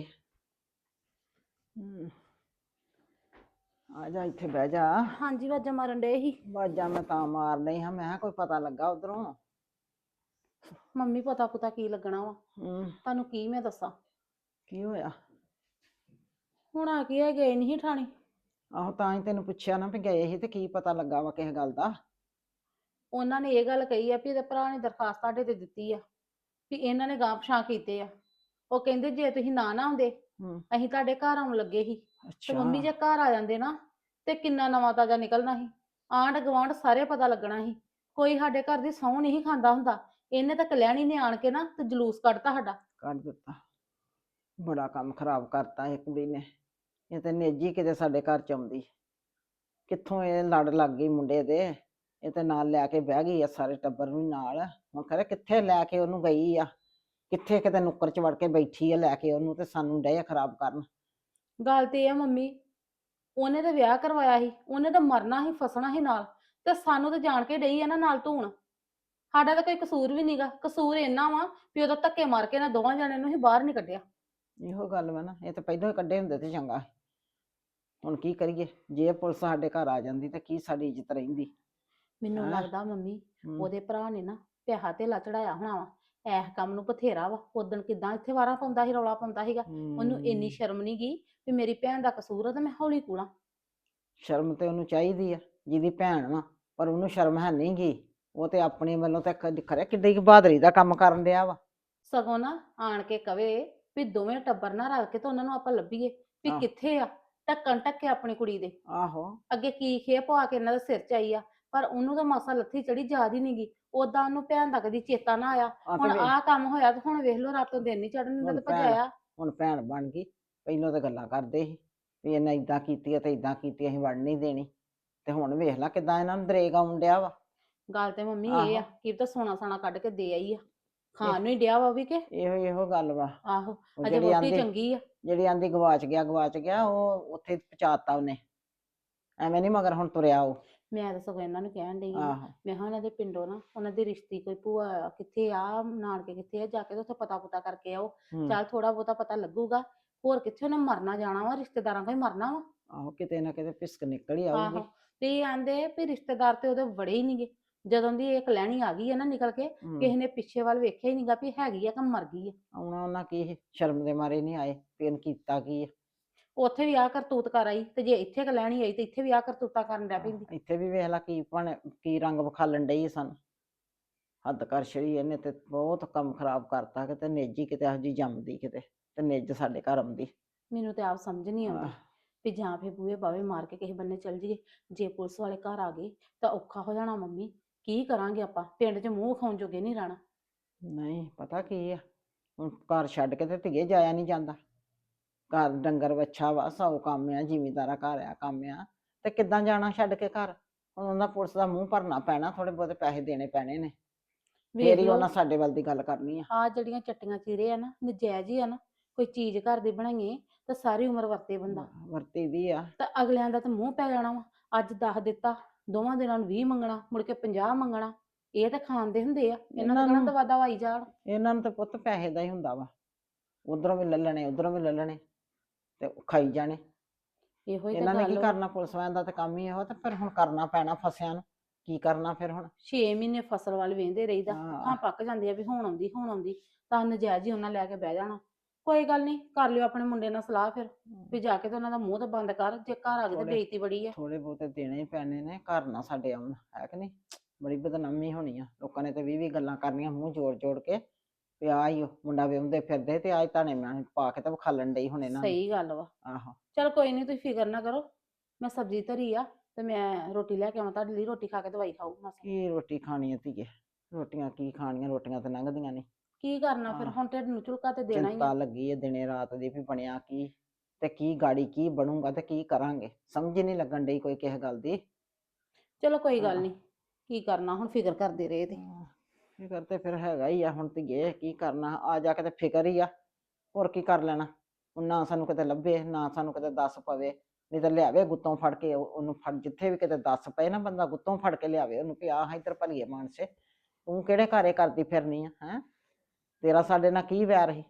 F: ਆ ਜਾ ਇੱਥੇ ਬਹਿ ਜਾ।
D: ਹਾਂਜੀ ਵਾਜਾਂ ਮਾਰਨ ਡੇ ਸੀ।
F: ਬਾਜਾਂ ਮੈਂ ਤਾਂ ਮਾਰ ਲਈ ਹਾਂ, ਮੈਂ ਕਿਹਾ ਕੋਈ ਪਤਾ ਲੱਗਾ ਉਧਰੋਂ।
D: ਮੰਮੀ ਪਤਾ ਪੁਤਾ ਕੀ ਲੱਗਣਾ ਵਾ?
F: ਹੂੰ,
D: ਤੁਹਾਨੂੰ ਕੀ ਮੈਂ ਦੱਸਾਂ?
F: ਕੀ ਹੋਇਆ?
D: ਹੁਣ ਆ ਕੇ ਗਏ ਨਹੀਂ ਠਾਣੇ।
F: ਆਹੋ ਤਾਂ ਹੀ ਤੈਨੂੰ ਪੁੱਛਿਆ ਨਾ ਵੀ ਗਏ ਸੀ ਤੇ ਕੀ ਪਤਾ ਲੱਗਾ ਵਾ ਕਿਸੇ ਗੱਲ ਦਾ।
D: ਉਹਨਾਂ ਨੇ ਇਹ ਗੱਲ ਕਹੀ ਆ ਵੀ ਇਹਦੇ ਭਰਾ ਨੇ ਦਰਖਾਸਤ ਤੁਹਾਡੇ ਤੇ ਦਿੱਤੀ ਆ ਵੀ ਇਹਨਾਂ ਨੇ ਗਾਂਹ ਪਛਾਂ ਕੀਤੇ ਆ। ਉਹ ਕਹਿੰਦੇ ਜੇ ਤੁਸੀਂ ਨਾ ਆਉਂਦੇ
F: ਹੂੰ,
D: ਅਸੀਂ ਤੁਹਾਡੇ ਘਰ ਆਉਣ ਲੱਗੇ ਸੀ। ਤੇ
F: ਅੱਛਾ।
D: ਮੰਮੀ ਜੇ ਘਰ ਆ ਜਾਂਦੇ ਨਾ ਤੇ ਕਿੰਨਾ ਨਵਾਂ ਤਾਜ਼ਾ ਨਿਕਲਣਾ ਸੀ। ਆਂਢ ਗੁਆਂਢ ਸਾਰੇ ਪਤਾ ਲੱਗਣਾ ਸੀ। ਕੋਈ ਸਾਡੇ ਘਰ ਦੀ ਸਹੁੰ ਨਹੀਂ ਖਾਂਦਾ ਹੁੰਦਾ। ਇਹਨੇ ਤਾਂ ਕਲਿਆਣੀ ਨੇ ਆਣ ਕੇ ਨਾ ਤੇ ਜਲੂਸ ਕੱਢਤਾ ਸਾਡਾ।
F: ਕੱਢ ਦਿੱਤਾ, ਬੜਾ ਕੰਮ ਖਰਾਬ ਕਰਤਾ ਇਹ ਕੁੜੀ ਨੇ। ਇਹ ਤੇ ਨੇਜੀ ਕਿਤੇ ਸਾਡੇ ਘਰ ਚ ਆਉਂਦੀ, ਕਿੱਥੋਂ ਇਹ ਲੜ ਲੱਗ ਗਈ ਮੁੰਡੇ ਦੇ। ਇਹ ਤੇ ਨਾਲ ਲੈ ਕੇ ਬਹਿ ਗਈ ਆ ਸਾਰੇ ਟੱਬਰ ਨੂੰ ਨਾਲ। ਹੁਣ ਖਰੇ ਕਿੱਥੇ ਲੈ ਕੇ ਉਹਨੂੰ ਗਈ ਆ, ਕਿੱਥੇ ਕਿਤੇ ਨੁੱਕਰ ਚ ਵੜ ਕੇ ਬੈਠੀ ਆ ਲੈ ਕੇ ਉਹਨੂੰ, ਤੇ ਸਾਨੂੰ ਡੇ ਖਰਾਬ ਕਰਨ।
D: ਗੱਲ ਤੇ ਇਹ ਆ ਮੰਮੀ, ਉਹਨੇ ਤਾਂ ਵਿਆਹ ਕਰਵਾਇਆ ਸੀ, ਉਹਨੇ ਤਾਂ ਮਰਨਾ ਸੀ ਫਸਣਾ ਸੀ ਨਾਲ, ਤੇ ਸਾਨੂੰ ਤਾਂ ਜਾਣ ਕੇ ਡਈ ਆ ਨਾ ਨਾਲ ਧੂਣ। ਸਾਡਾ ਤਾਂ ਕੋਈ ਕਸੂਰ ਵੀ ਨਹੀਂਗਾ। ਕਸੂਰ ਇੰਨਾ ਵਾ ਵੀ ਉਦੋਂ ਧੱਕੇ ਮਾਰ ਕੇ ਨਾ ਦੋਵਾਂ ਜਣਿਆਂ ਨੂੰ ਹੀ ਬਾਹਰ ਨਹੀਂ ਕੱਢਿਆ।
F: ਇਹੋ ਗੱਲ ਵਾ ਨਾ, ਇਹ ਤਾਂ ਪਹਿਲਾਂ ਹੀ ਕੱਢੇ ਹੁੰਦੇ ਤੇ ਚੰਗਾ ਸੀ। ਹੁਣ ਕੀ ਕਰੀਏ, ਜੇ ਪੁਲਿਸ ਸਾਡੇ ਘਰ ਆ ਜਾਂਦੀ ਤੇ ਕੀ ਸਾਡੀ ਇੱਜ਼ਤ ਰਹਿੰਦੀ।
D: ਮੈਨੂੰ
F: ਹੈਂ?
D: ਲੱਗਦਾ ਮੰਮੀ
F: ਹੂੰ,
D: ਉਹਦੇ ਭਰਾ ਨੇ ਨਾ ਪਿਆਹਾ ਧੇਲਾ ਚੜਾਇਆ ਹੋਣਾ ਵਾ। ਐਸ ਕੰਮ ਨੂੰ ਬਥੇਰਾ ਵਾ। ਉਦਣ ਕਿਦਾਂ ਇੱਥੇ ਵਾਰਾ ਪਾਉਂਦਾ ਸੀ, ਰੌਲਾ ਪਾਉਂਦਾ ਸੀਗਾ। ਉਹਨੂੰ ਇੰਨੀ
F: ਹੂੰ।
D: ਸ਼ਰਮ ਨਹੀਂ ਗਈ ਵੀ ਮੇਰੀ ਭੈਣ ਦਾ ਕਸੂਰ ਆ ਤੇ ਮੈਂ ਹੌਲੀ ਕੂਲਾਂ।
F: ਸ਼ਰਮ ਤੇ ਉਹਨੂੰ ਚਾਹੀਦੀ ਆ ਜਿਹਦੀ ਭੈਣ ਵਾ, ਪਰ ਉਹਨੂੰ ਸ਼ਰਮ ਹੈ ਨਹੀਂ ਗੀ। ਉਹ ਤੇ ਆਪਣੇ ਵੱਲੋਂ ਤਾਂ ਖਰੇ ਕਿੱਡੀ ਕੁ ਬਹਾਦਰੀ ਦਾ ਕੰਮ ਕਰਨ ਡਿਆ ਵਾ।
D: ਸਗੋਂ ਨਾ ਆਣ ਕੇ ਕਵੇ ਵੀ ਦੋਵੇਂ ਟੱਬਰ ਨਾ ਰਲ ਕੇ ਤੇ ਉਹਨਾਂ ਨੂੰ ਆਪਾਂ ਲੱਭੀਏ ਵੀ
F: ਆਹ।
D: ਕਿੱਥੇ ਆ। ਢੱਕਣ ਢੱਕੇ ਆਪਣੀ ਕੁੜੀ ਦੇ
F: ਆਹੋ,
D: ਅੱਗੇ ਕੀ ਖੇ ਪਵਾ ਕੇ ਇਹਨਾਂ ਦੇ ਸਿਰ ਚ ਆਈ ਆ। ਪਰ ਉਹਨੂੰ ਤਾਂ ਮਾਸਾ ਲੱਥੀ ਚੜੀ ਯਾਦ ਹੀ ਨੀ ਗੀ। ਉਦਾਂ ਉਹਨੂੰ ਭੈਣ ਦਾ ਕਦੀ ਚੇਤਾ ਨਾ ਆਇਆ।
F: ਆ
D: ਹੁਣ
F: ਤੇ
D: ਆਹ ਕੰਮ ਹੋਇਆ ਤੇ ਹੁਣ ਵੇਖ ਲਓ ਰਾਤੋਂ ਦਿਨ ਨਹੀਂ ਚੜਨ ਦਿੰਦਾ
F: ਹੁਣ
D: ਤੇ
F: ਭੈਣ
D: ਭਜਾਇਆ।
F: ਹੁਣ ਭੈਣ ਬਣ ਗਈ। ਪਹਿਲਾਂ ਤਾਂ ਗੱਲਾਂ ਕਰਦੇ ਸੀ ਵੀ ਇਹਨੇ ਇਦਾਂ ਕੀਤੀ ਆ ਤੇ ਇਦਾਂ ਕੀਤੀ, ਅਸੀਂ ਵੜ ਨਹੀਂ ਦੇਣੀ। ਤੇ ਹੁਣ ਵੇਖ ਲੈ ਕਿਦਾਂ ਇਹਨਾਂ ਨੂੰ ਦਰੇਗ ਆਉਣ ਡਿਆ ਵਾ।
D: ਗੱਲ ਤੇ ਮੰਮੀ ਇਹ ਆ
F: ਆਹੋ।
D: ਕਿ ਤਾਂ ਸੋਨਾ ਸਾਨਾ ਕੱਢ ਕੇ ਦੇ ਆਈ ਆ, ਖਾਣ
F: ਇਹ-
D: ਨੂੰ ਹੀ ਡਿਆ ਵਾ ਉਹ ਵੀ ਕਿ
F: ਇਹੋ ਗੱਲ ਵਾ।
D: ਆਹੋ
F: ਉਹ
D: ਅਜੇ
F: ਜਿਹੜੀ
D: ਵੋਟੀ
F: ਆਂਦੀ
D: ਚੰਗੀ ਆ।
F: ਜਿਹੜੀ ਆਂਦੀ ਗਵਾਚ ਗਿਆ ਉਹ ਉੱਥੇ ਪਹੁੰਚਾਤਾ ਉਹਨੇ। ਐਵੇਂ ਨਹੀਂ ਮਗਰ ਹੁਣ ਤੁਰਿਆ ਉਹ।
D: ਮੈਂ ਤਾਂ ਸਗੋਂ ਇਹਨਾਂ ਨੂੰ ਕਹਿਣ ਡਈ ਆ,
F: ਆਹੋ
D: ਮੈਂ ਕਿਹਾ ਉਹਨਾਂ ਦੇ ਪਿੰਡੋਂ ਨਾ ਉਹਨਾਂ ਦੀ ਰਿਸ਼ਤੀ ਕੋਈ ਭੂਆ ਕਿੱਥੇ ਆ, ਨਾਨਕੇ ਕਿੱਥੇ ਆ, ਜਾ ਕੇ ਤੇ ਉੱਥੇ ਪਤਾ ਪੁਤਾ ਕਰਕੇ ਆਓ।
F: ਹੂੰ।
D: ਚੱਲ ਥੋੜਾ ਬਹੁਤਾ ਪਤਾ ਲੱਗੂਗਾ। ਹੋਰ ਕਿੱਥੇ ਉਹਨੇ ਮਰਨਾ ਜਾਣਾ ਵਾ, ਰਿਸ਼ਤੇਦਾਰਾਂ ਕੋਲ ਹੀ ਮਰਨਾ ਵਾ।
F: ਆਹੋ ਕਿਤੇ ਨਾ ਕਿਤੇ ਪਿਸਕ ਨਿਕਲ ਹੀ
D: ਆਹੋ
F: ਆਊਗੀ।
D: ਤੇ ਇਹ ਆਂਦੇ ਵੀ ਰਿਸ਼ਤੇਦਾਰ ਤੇ ਉਹਦੇ ਵੜੇ ਹੀ ਨਹੀਂਗੇ। ਜਦੋਂ ਦੀ ਇਹ ਕਲੈਣੀ ਆ ਗਈ ਹੈ ਨਾ ਨਿਕਲ ਕੇ,
F: ਹੂੰ।
D: ਕਿਸੇ ਨੇ ਪਿੱਛੇ ਵੱਲ ਵੇਖਿਆ ਹੀ ਨਹੀਂਗਾ ਵੀ ਹੈਗੀ ਆ ਕਿ ਮਰ ਗਈ ਆ।
F: ਆਉਣਾ ਉਹਨਾਂ ਕੀ ਸੀ, ਸ਼ਰਮ ਦੇ ਮਾਰੇ ਨਹੀਂ ਆਏ ਵੀ ਇਹਨੇ ਕੀਤਾ ਕੀ ਆ।
D: ਉੱਥੇ ਵੀ ਆਹ ਕਰਤੂਤ ਕਰ ਆਈ ਤੇ ਜੇ ਇੱਥੇ ਕਲੈਣੀ ਆਈ ਤੇ ਇੱਥੇ ਵੀ ਆਹ ਕਰਤੂਤਾਂ ਕਰਨ ਲੱਗ ਪੈਂਦੀ।
F: ਇੱਥੇ ਵੀ ਵੇਖ ਲਾ ਕੀ ਰੰਗ ਵਿਖਾਲਣ ਡਈ ਸਾਨੂੰ। ਹੱਦ ਕਰ ਛੜੀ ਇਹਨੇ ਤੇ ਬਹੁਤ ਕੰਮ ਖਰਾਬ ਕਰਤਾ। ਕਿਤੇ ਨੇਜੀ ਕਿਤੇ ਇਹੋ ਜਿਹੀ ਜੰਮਦੀ ਕਿਤੇ ਤੇ ਨਿੱਜ ਸਾਡੇ ਘਰ ਆਉਂਦੀ।
D: ਮੈਨੂੰ ਤੇ ਆਪ ਸਮਝ ਨਹੀਂ ਆਉਂਦੀ
F: ਆਹ,
D: ਵੀ ਜਾਂ ਫਿਰ ਬੂਹੇ ਬਾਵੇ ਮਾਰ ਕੇ ਕਿਸੇ ਬੰਨੇ ਚਲ ਜਾਈਏ। ਜੇ ਪੁਲਿਸ ਵਾਲੇ ਘਰ ਆ ਗਏ ਤਾਂ ਔਖਾ ਹੋ ਜਾਣਾ ਮੰਮੀ। ਕੀ ਕਰਾਂਗੇ ਆਪਾਂ, ਪਿੰਡ 'ਚ ਮੂੰਹ ਖਾਉਣ ਜੋਗੇ ਨਹੀਂ ਰਹਿਣਾ।
F: ਨਹੀਂ ਪਤਾ ਕੀ ਆ, ਹੁਣ ਘਰ ਛੱਡ ਕੇ ਤੇ ਧੀਏ ਜਾਇਆ ਨਹੀਂ ਜਾਂਦਾ। ਘਰ ਡੰਗਰ ਵੱਛਾ ਵਾ, ਸੌ ਕੰਮ ਆ, ਜ਼ਿਮੀਂਦਾਰਾ ਘਰ ਆ, ਕੰਮ ਆ, ਤੇ ਕਿੱਦਾਂ ਜਾਣਾ ਛੱਡ ਕੇ ਘਰ। ਹੁਣ ਉਹਨਾਂ ਪੁਲਿਸ ਦਾ ਮੂੰਹ ਭਰਨਾ ਪੈਣਾ, ਥੋੜੇ ਬਹੁਤੇ ਪੈਸੇ ਦੇਣੇ ਪੈਣੇ ਨੇ,
D: ਵੇਖ
F: ਫੇਰ ਹੀ
D: ਲਓ
F: ਉਹਨਾਂ ਸਾਡੇ ਵੱਲ ਦੀ ਗੱਲ ਕਰਨੀ ਆ।
D: ਆਹ ਜਿਹੜੀਆਂ ਚੱਟੀਆਂ ਚੀਰੇ ਆ ਨਾ, ਨਜਾਇਜ਼ ਹੀ ਆ ਨਾ। ਕੋਈ ਚੀਜ਼ ਘਰ ਦੀ ਬਣਾਈਏ ਤਾਂ ਸਾਰੀ ਉਮਰ ਵਰਤੇ ਬੰਦਾ।
F: ਵਰਤੀ ਦੀ ਆ।
D: ਤਾਂ ਅਗਲਿਆਂ ਦਾ ਤਾਂ ਮੂੰਹ ਪੈ ਜਾਣਾ ਵਾ। ਅੱਜ 10 ਦਿੱਤਾ, ਦੋਵਾਂ ਦਿਨਾਂ ਨੂੰ 20 ਮੰਗਣਾ, ਮੁੜ ਕੇ 50 ਮੰਗਣਾ। ਇਹ ਤਾਂ ਖਾਣ ਦੇ ਹੁੰਦੇ ਆ, ਇਹਨਾਂ ਦਾ
F: ਇਹਨਾਂ
D: ਕਹਿਣਾ
F: ਨੂੰ-
D: ਦਵਾ ਦਵਾਈ ਜਾਣ।
F: ਇਹਨਾਂ ਨੂੰ ਤਾਂ ਪੁੱਤ ਪੈਸੇ ਦਾ ਹੀ ਹੁੰਦਾ ਵਾ। ਉਧਰੋਂ ਵੀ ਲੈ ਲੈਣੇ, ਉਧਰੋਂ ਵੀ ਲੈ ਲੈਣੇ ਤੇ ਖਾਈ ਜਾਣੇ।
D: ਇਹੋ ਹੀ ਤਾਂ
F: ਇਹਨਾਂ ਨੇ ਕੀ
D: ਗੱਲ ਵਾ।
F: ਕਰਨਾ, ਪੁਲਿਸ ਵਾਲਿਆਂ ਦਾ ਤਾਂ ਕੰਮ ਹੀ ਇਹੋ। ਤੇ ਫਿਰ ਹੁਣ ਕਰਨਾ ਪੈਣਾ ਫਸਿਆਂ ਨੂੰ। ਕੀ ਕਰਨਾ ਫਿਰ ਹੁਣ।
D: 6 ਮਹੀਨੇ ਫਸਲ ਵੱਲ ਵੇਂਦੇ ਰਹੀਦਾ।
F: ਹਾਂ।
D: ਹਾਂ ਪੱਕ ਜਾਂਦੀ ਆ ਵੀ ਹੁਣ ਆਉਂਦੀ ਹੁਣ ਆਉਂਦੀ, ਤਾਂ ਨਜਾਇਜ਼ ਹੀ ਉਹਨਾਂ ਲੈ ਕੇ ਬਹਿ ਜਾਣਾ। ਕੋਈ ਗੱਲ ਨਹੀਂ, ਕਰ ਲਿਓ ਆਪਣੇ ਮੁੰਡੇ ਨਾਲ ਸਲਾਹ ਫਿਰ ਵੀ ਜਾ ਕੇ ਤੇ ਉਹਨਾਂ ਦਾ ਮੂੰਹ ਤਾਂ ਬੰਦ ਕਰ। ਜੇ ਘਰ ਆ ਗਏ ਤੇ
F: ਥੋੜੇ-
D: ਬੇਇੱਜ਼ਤੀ ਬੜੀ ਆ।
F: ਥੋੜੇ ਬਹੁਤੇ ਦੇਣੇ ਹੀ ਪੈਣੇ ਨੇ, ਘਰ ਨਾ ਸਾਡੇ ਆਉਣ, ਹੈ ਕਿ ਨਹੀਂ। ਬੜੀ ਬਦਨਾਮੀ ਹੋਣੀ ਆ। ਲੋਕਾਂ ਨੇ ਤੇ 20 ਗੱਲਾਂ ਕਰਨੀਆਂ ਮੂੰਹ ਜੋੜ ਜੋੜ ਕੇ ਵੀ ਆਹ ਹੀ ਉਹ ਮੁੰਡਾ ਵਿਆਹੁੰਦੇ ਫਿਰਦੇ ਤੇ ਆਹ ਤਾਣੇ ਮੈਂ ਪਾ ਕੇ ਤੇ ਵਿਖਾਲਣ ਡਈ ਹੁਣ ਇਹਨਾਂ ਨੂੰ।
D: ਸਹੀ ਗੱਲ ਵਾ।
F: ਆਹੋ
D: ਚਲ ਕੋਈ ਨਹੀਂ, ਤੁਸੀਂ ਫਿਕਰ ਨਾ ਕਰੋ। ਮੈਂ ਸਬਜ਼ੀ ਧਰੀ ਆ ਤੇ ਮੈਂ ਰੋਟੀ ਲੈ ਕੇ ਆਵਾਂ ਤੁਹਾਡੇ ਲਈ। ਰੋਟੀ ਖਾ ਕੇ ਦਵਾਈ ਖਾਓ ਮਾਸਾ।
F: ਕੀ ਰੋਟੀ ਖਾਣੀ ਆ ਧੀਏ, ਰੋਟੀਆਂ ਕੀ ਖਾਣੀਆਂ, ਰੋਟੀਆਂ ਤੇ ਲੰਘਦੀਆਂ ਨਹੀਂ।
D: ਕੀ ਕਰਨਾ ਫਿਰ,
F: ਹਾਂ।
D: ਹੁਣ ਢਿੱਡ ਨੂੰ ਝੁਲਕਾ ਤੇ ਦੇਣਾ ਹੀ
F: ਚਿੰਤਾ
D: ਆ।
F: ਲੱਗੀ ਹੈ ਦਿਨੇ ਰਾਤ ਦੀ ਵੀ ਬਣਿਆ ਕੀ ਤੇ ਕੀ ਗਾੜੀ ਕੀ ਬਣੂਗਾ ਤੇ ਕੀ ਕਰਾਂਗੇ। ਸਮਝ ਹੀ ਨਹੀਂ ਲੱਗਣ ਡਈ ਕੋਈ ਕਿਸੇ ਗੱਲ ਦੀ।
D: ਚਲੋ ਕੋਈ ਗੱਲ
F: ਹਾਂ।
D: ਨਹੀਂ, ਕੀ ਕਰਨਾ ਹੁਣ, ਫਿਕਰ ਕਰਦੇ ਰਹੇ ਤੇ।
F: ਫਿਕਰ ਤੇ ਫਿਰ ਹੈਗਾ ਹੀ ਆ ਹੁਣ ਧੀਏ, ਕੀ ਕਰਨਾ। ਆ ਜਾ ਕੇ ਤੇ ਫਿਕਰ ਹੀ ਆ, ਹੋਰ ਕੀ ਕਰ ਲੈਣਾ। ਹੁਣ ਨਾ ਸਾਨੂੰ ਕਿਤੇ ਲੱਭੇ, ਨਾ ਸਾਨੂੰ ਕਿਤੇ ਦੱਸ ਪਵੇ। ਨਹੀਂ ਤਾਂ ਲਿਆਵੇ ਗੁੱਤੋਂ ਫੜ ਕੇ ਉਹਨੂੰ ਫੜ, ਜਿੱਥੇ ਵੀ ਕਿਤੇ ਦੱਸ ਪਏ ਨਾ ਬੰਦਾ ਗੁੱਤੋਂ ਫੜ ਕੇ ਲਿਆਵੇ ਉਹਨੂੰ ਵੀ ਆਹ ਇੱਧਰ ਭਲੀਏ ਮਾਨਸੇ ਤੂੰ ਕਿਹੜੇ ਘਰੇ ਕਰਦੀ ਫਿਰਨੀ ਆ ਹੈ। ਤੇਰਾ ਸਾਡੇ ਨਾਲ ਕੀ ਵੈਰ ਸੀ।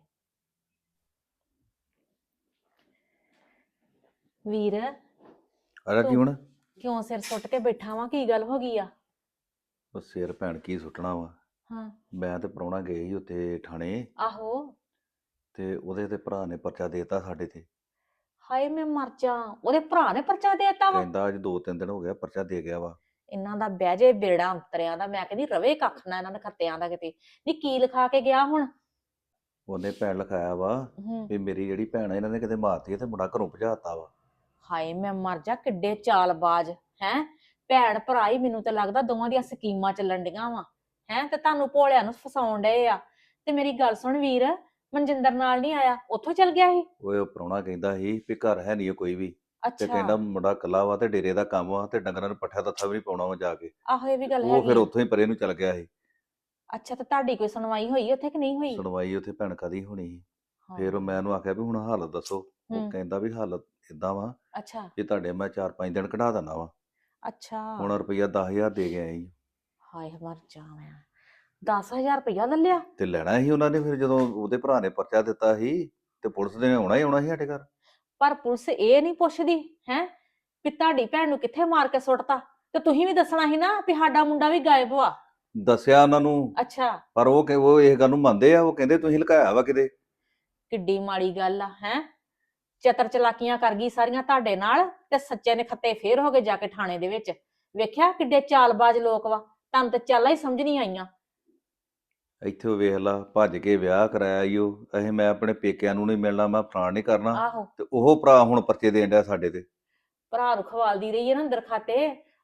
G: ਵੀਰ
E: ਅਰੇ ਕੀ ਹੁਣ
G: ਕਿਉਂ ਸਿਰ ਸੁੱਟ ਕੇ ਬੈਠਾ ਵਾਂ, ਕੀ ਗੱਲ ਹੋ ਗਈ ਆ?
E: ਉਹ ਸਿਰ ਭੈਣ ਕੀ ਸੁੱਟਣਾ ਵਾ।
G: ਹਾਂ।
E: ਮੈਂ ਤੇ ਪ੍ਰਾਹੁਣਾ ਗਏ ਸੀ ਉੱਥੇ ਥਾਣੇ,
G: ਆਹੋ।
E: ਤੇ ਉਹਦੇ ਤੇ ਭਰਾ ਨੇ ਪਰਚਾ ਦੇਤਾ ਸਾਡੇ ਤੇ।
G: ਹਾਏ ਮੈਂ ਮਰ ਜਾ, ਉਹਦੇ ਭਰਾ ਨੇ ਪਰਚਾ ਦੇਤਾ ਵਾ?
E: ਕਹਿੰਦਾ ਅੱਜ 2-3 ਦਿਨ ਹੋ ਗਿਆ ਪਰਚਾ ਦੇ ਗਿਆ ਵਾ।
G: ਇਹਨਾਂ ਦਾ ਬਹਿ ਜੇ ਬੇੜਾ ਅੰਤਰਿਆਂ ਦਾ, ਮੈਂ ਕਹਿੰਦੀ ਰਵੇ ਕੱਖ ਨਾ ਇਹਨਾਂ ਦੇ ਖੱਤਿਆਂ ਦਾ ਕਿਤੇ। ਨੀ ਕੀ ਲਿਖਾ ਕੇ ਗਿਆ ਹੁਣ?
E: ਉਹਨੇ ਭੈਣ ਲਿਖਾਇਆ ਵਾ
G: ਹੂੰ।
E: ਵੀ ਮੇਰੀ ਜਿਹੜੀ ਭੈਣ ਆ ਇਹਨਾਂ ਨੇ ਕਿਤੇ ਮਾਰਤੀ ਹੈ ਤੇ ਮੁੰਡਾ ਘਰੋਂ ਭਜਾਤਾ ਵਾ।
G: ਹਾਏ ਮੈਂ ਮਰ ਜਾ, ਕਿੱਡੇ ਚਾਲਬਾਜ਼ ਹੈ। ਭੈਣ ਭਰਾ ਹੀ, ਮੈਨੂੰ ਤਾਂ ਲੱਗਦਾ ਦੋਵਾਂ ਦੀਆਂ ਸਕੀਮਾਂ ਚੱਲਣ ਡੀਆਂ ਵਾ ਹੈ, ਤੇ ਤੁਹਾਨੂੰ ਭੋਲਿਆਂ ਨੂੰ ਫਸਾਉਣ ਡਏ ਆ। ਤੇ ਮੇਰੀ ਗੱਲ ਸੁਣ ਵੀਰ, ਮਨਜਿੰਦਰ ਨਾਲ ਨਹੀਂ ਆਇਆ, ਉੱਥੋਂ ਚਲ ਗਿਆ ਸੀ?
E: ਉਹ ਪ੍ਰਾਹੁਣਾ ਕਹਿੰਦਾ ਸੀ ਵੀ ਘਰ ਹੈ ਨਹੀਂ ਕੋਈ ਵੀ, ਤੇ
G: ਅੱਛਾ।
E: ਕਹਿੰਦਾ ਮੁੰਡਾ ਇਕੱਲਾ ਵਾ ਤੇ ਡੇਰੇ ਦਾ ਕੰਮ ਵਾ ਤੇ ਡੰਗਰਾਂ ਨੂੰ ਪੱਠਾ ਦੱਥਾ ਵੀ ਨਹੀਂ ਪਾਉਣਾ ਵਾ ਜਾ ਕੇ।
G: ਆਹੋ ਇਹ ਵੀ ਗੱਲ
E: ਉਹ ਫਿਰ
G: ਹੈਗੀ ਆ।
E: ਉੱਥੋਂ ਹੀ ਪਰੇ ਨੂੰ ਚਲ ਗਿਆ ਸੀ।
G: ਅੱਛਾ, ਤੇ ਤੁਹਾਡੀ ਕੋਈ ਸੁਣਵਾਈ ਹੋਈ ਉੱਥੇ ਕਿ ਨਹੀਂ ਹੋਈ?
E: ਸੁਣਵਾਈ ਉੱਥੇ ਭੈਣ ਕਦੀ ਹੋਣੀ ਸੀ।
G: ਹਾਂ।
E: ਫਿਰ ਮੈਂ ਉਹਨੂੰ ਆਖਿਆ ਵੀ ਹੁਣ ਹਾਲਤ ਦੱਸੋ। ਉਹ
G: ਹੂੰ।
E: ਕਹਿੰਦਾ ਵੀ ਹਾਲਤ ਇਦਾਂ ਵਾ
G: ਅੱਛਾ
E: ਵੀ ਤੁਹਾਡੇ ਮੈਂ 4-5 ਦਿਨ ਕਢਾ ਦਿੰਦਾ ਵਾ।
G: ਅੱਛਾ।
E: ਹੁਣ ਰੁਪਈਆ 10,000 ਦੇ ਗਿਆ ਸੀ
G: ਹਾਏ ਮਰ ਜਾ ਮੈਂ, 10,000 ਰੁਪਇਆ ਲੈ ਲਿਆ?
E: ਤੇ ਲੈਣਾ ਸੀ ਉਹਨਾਂ ਨੇ। ਫਿਰ ਜਦੋਂ ਉਹਦੇ ਭਰਾ ਨੇ ਪਰਚਾ ਦਿੱਤਾ ਸੀ ਤੇ ਪੁਲਿਸ ਨੇ ਆਉਣਾ ਹੀ ਆਉਣਾ ਸੀ ਸਾਡੇ ਘਰ।
G: ਪਰ ਪੁਲਿਸ ਇਹ ਨਹੀਂ ਪੁੱਛਦੀ ਹੈ ਵੀ ਤੁਹਾਡੀ ਭੈਣ ਨੂੰ ਕਿੱਥੇ ਮਾਰ ਕੇ ਸੁੱਟਤਾ, ਤੇ ਤੁਸੀਂ ਵੀ ਦੱਸਣਾ ਸੀ ਨਾ ਵੀ ਸਾਡਾ ਮੁੰਡਾ ਵੀ ਗਾਇਬ ਵਾ।
E: ਦੱਸਿਆ ਉਹਨਾਂ ਨੂੰ,
G: ਅੱਛਾ।
E: ਪਰ ਉਹ ਇਹ ਗੱਲ ਨੂੰ ਮੰਨਦੇ ਆ। ਉਹ ਕਹਿੰਦੇ ਤੁਸੀਂ ਲੁਕਾਇਆ ਵਾ ਕਿਤੇ।
G: ਕਿੱਡੀ ਮਾੜੀ ਗੱਲ ਆ ਹੈ। ਚਤਰ ਚਲਾਕੀਆਂ ਕਰ ਗਈ ਸਾਰੀਆਂ ਤੁਹਾਡੇ ਨਾਲ, ਤੇ ਸੱਚੇ ਨੇ ਖੱਤੇ ਫੇਰ ਹੋ ਗਏ ਜਾ ਕੇ ਥਾਣੇ ਦੇ ਵਿੱਚ। ਵੇਖਿਆ ਕਿੱਡੇ ਚਾਲਬਾਜ਼ ਲੋਕ ਵਾ, ਤੁਹਾਨੂੰ ਤੇ ਚਾਲਾਂ ਹੀ ਸਮਝ ਨਹੀਂ ਆਈਆਂ।
E: ਇੱਥੇ ਉਹ ਵੇਖ ਲਾ, ਭੱਜ ਕੇ ਵਿਆਹ ਕਰਾਇਆ ਈ ਉਹ। ਇਹ ਮੈਂ ਆਪਣੇ ਪੇਕਿਆਂ ਨੂੰ ਨਹੀਂ ਮਿਲਣਾ, ਮੈਂ ਫਲਾਣ ਨਹੀਂ ਕਰਨਾ,
G: ਆਹੋ।
E: ਤੇ ਉਹ ਭਰਾ ਹੁਣ ਪਰਚੇ ਦੇਣ ਡਿਆ ਸਾਡੇ ਤੇ।
G: ਭਰਾ ਨੂੰ ਖਵਾਲਦੀ ਰਹੀ ਹੈ ਨਾ ਅੰਦਰ ਖਾਤੇ।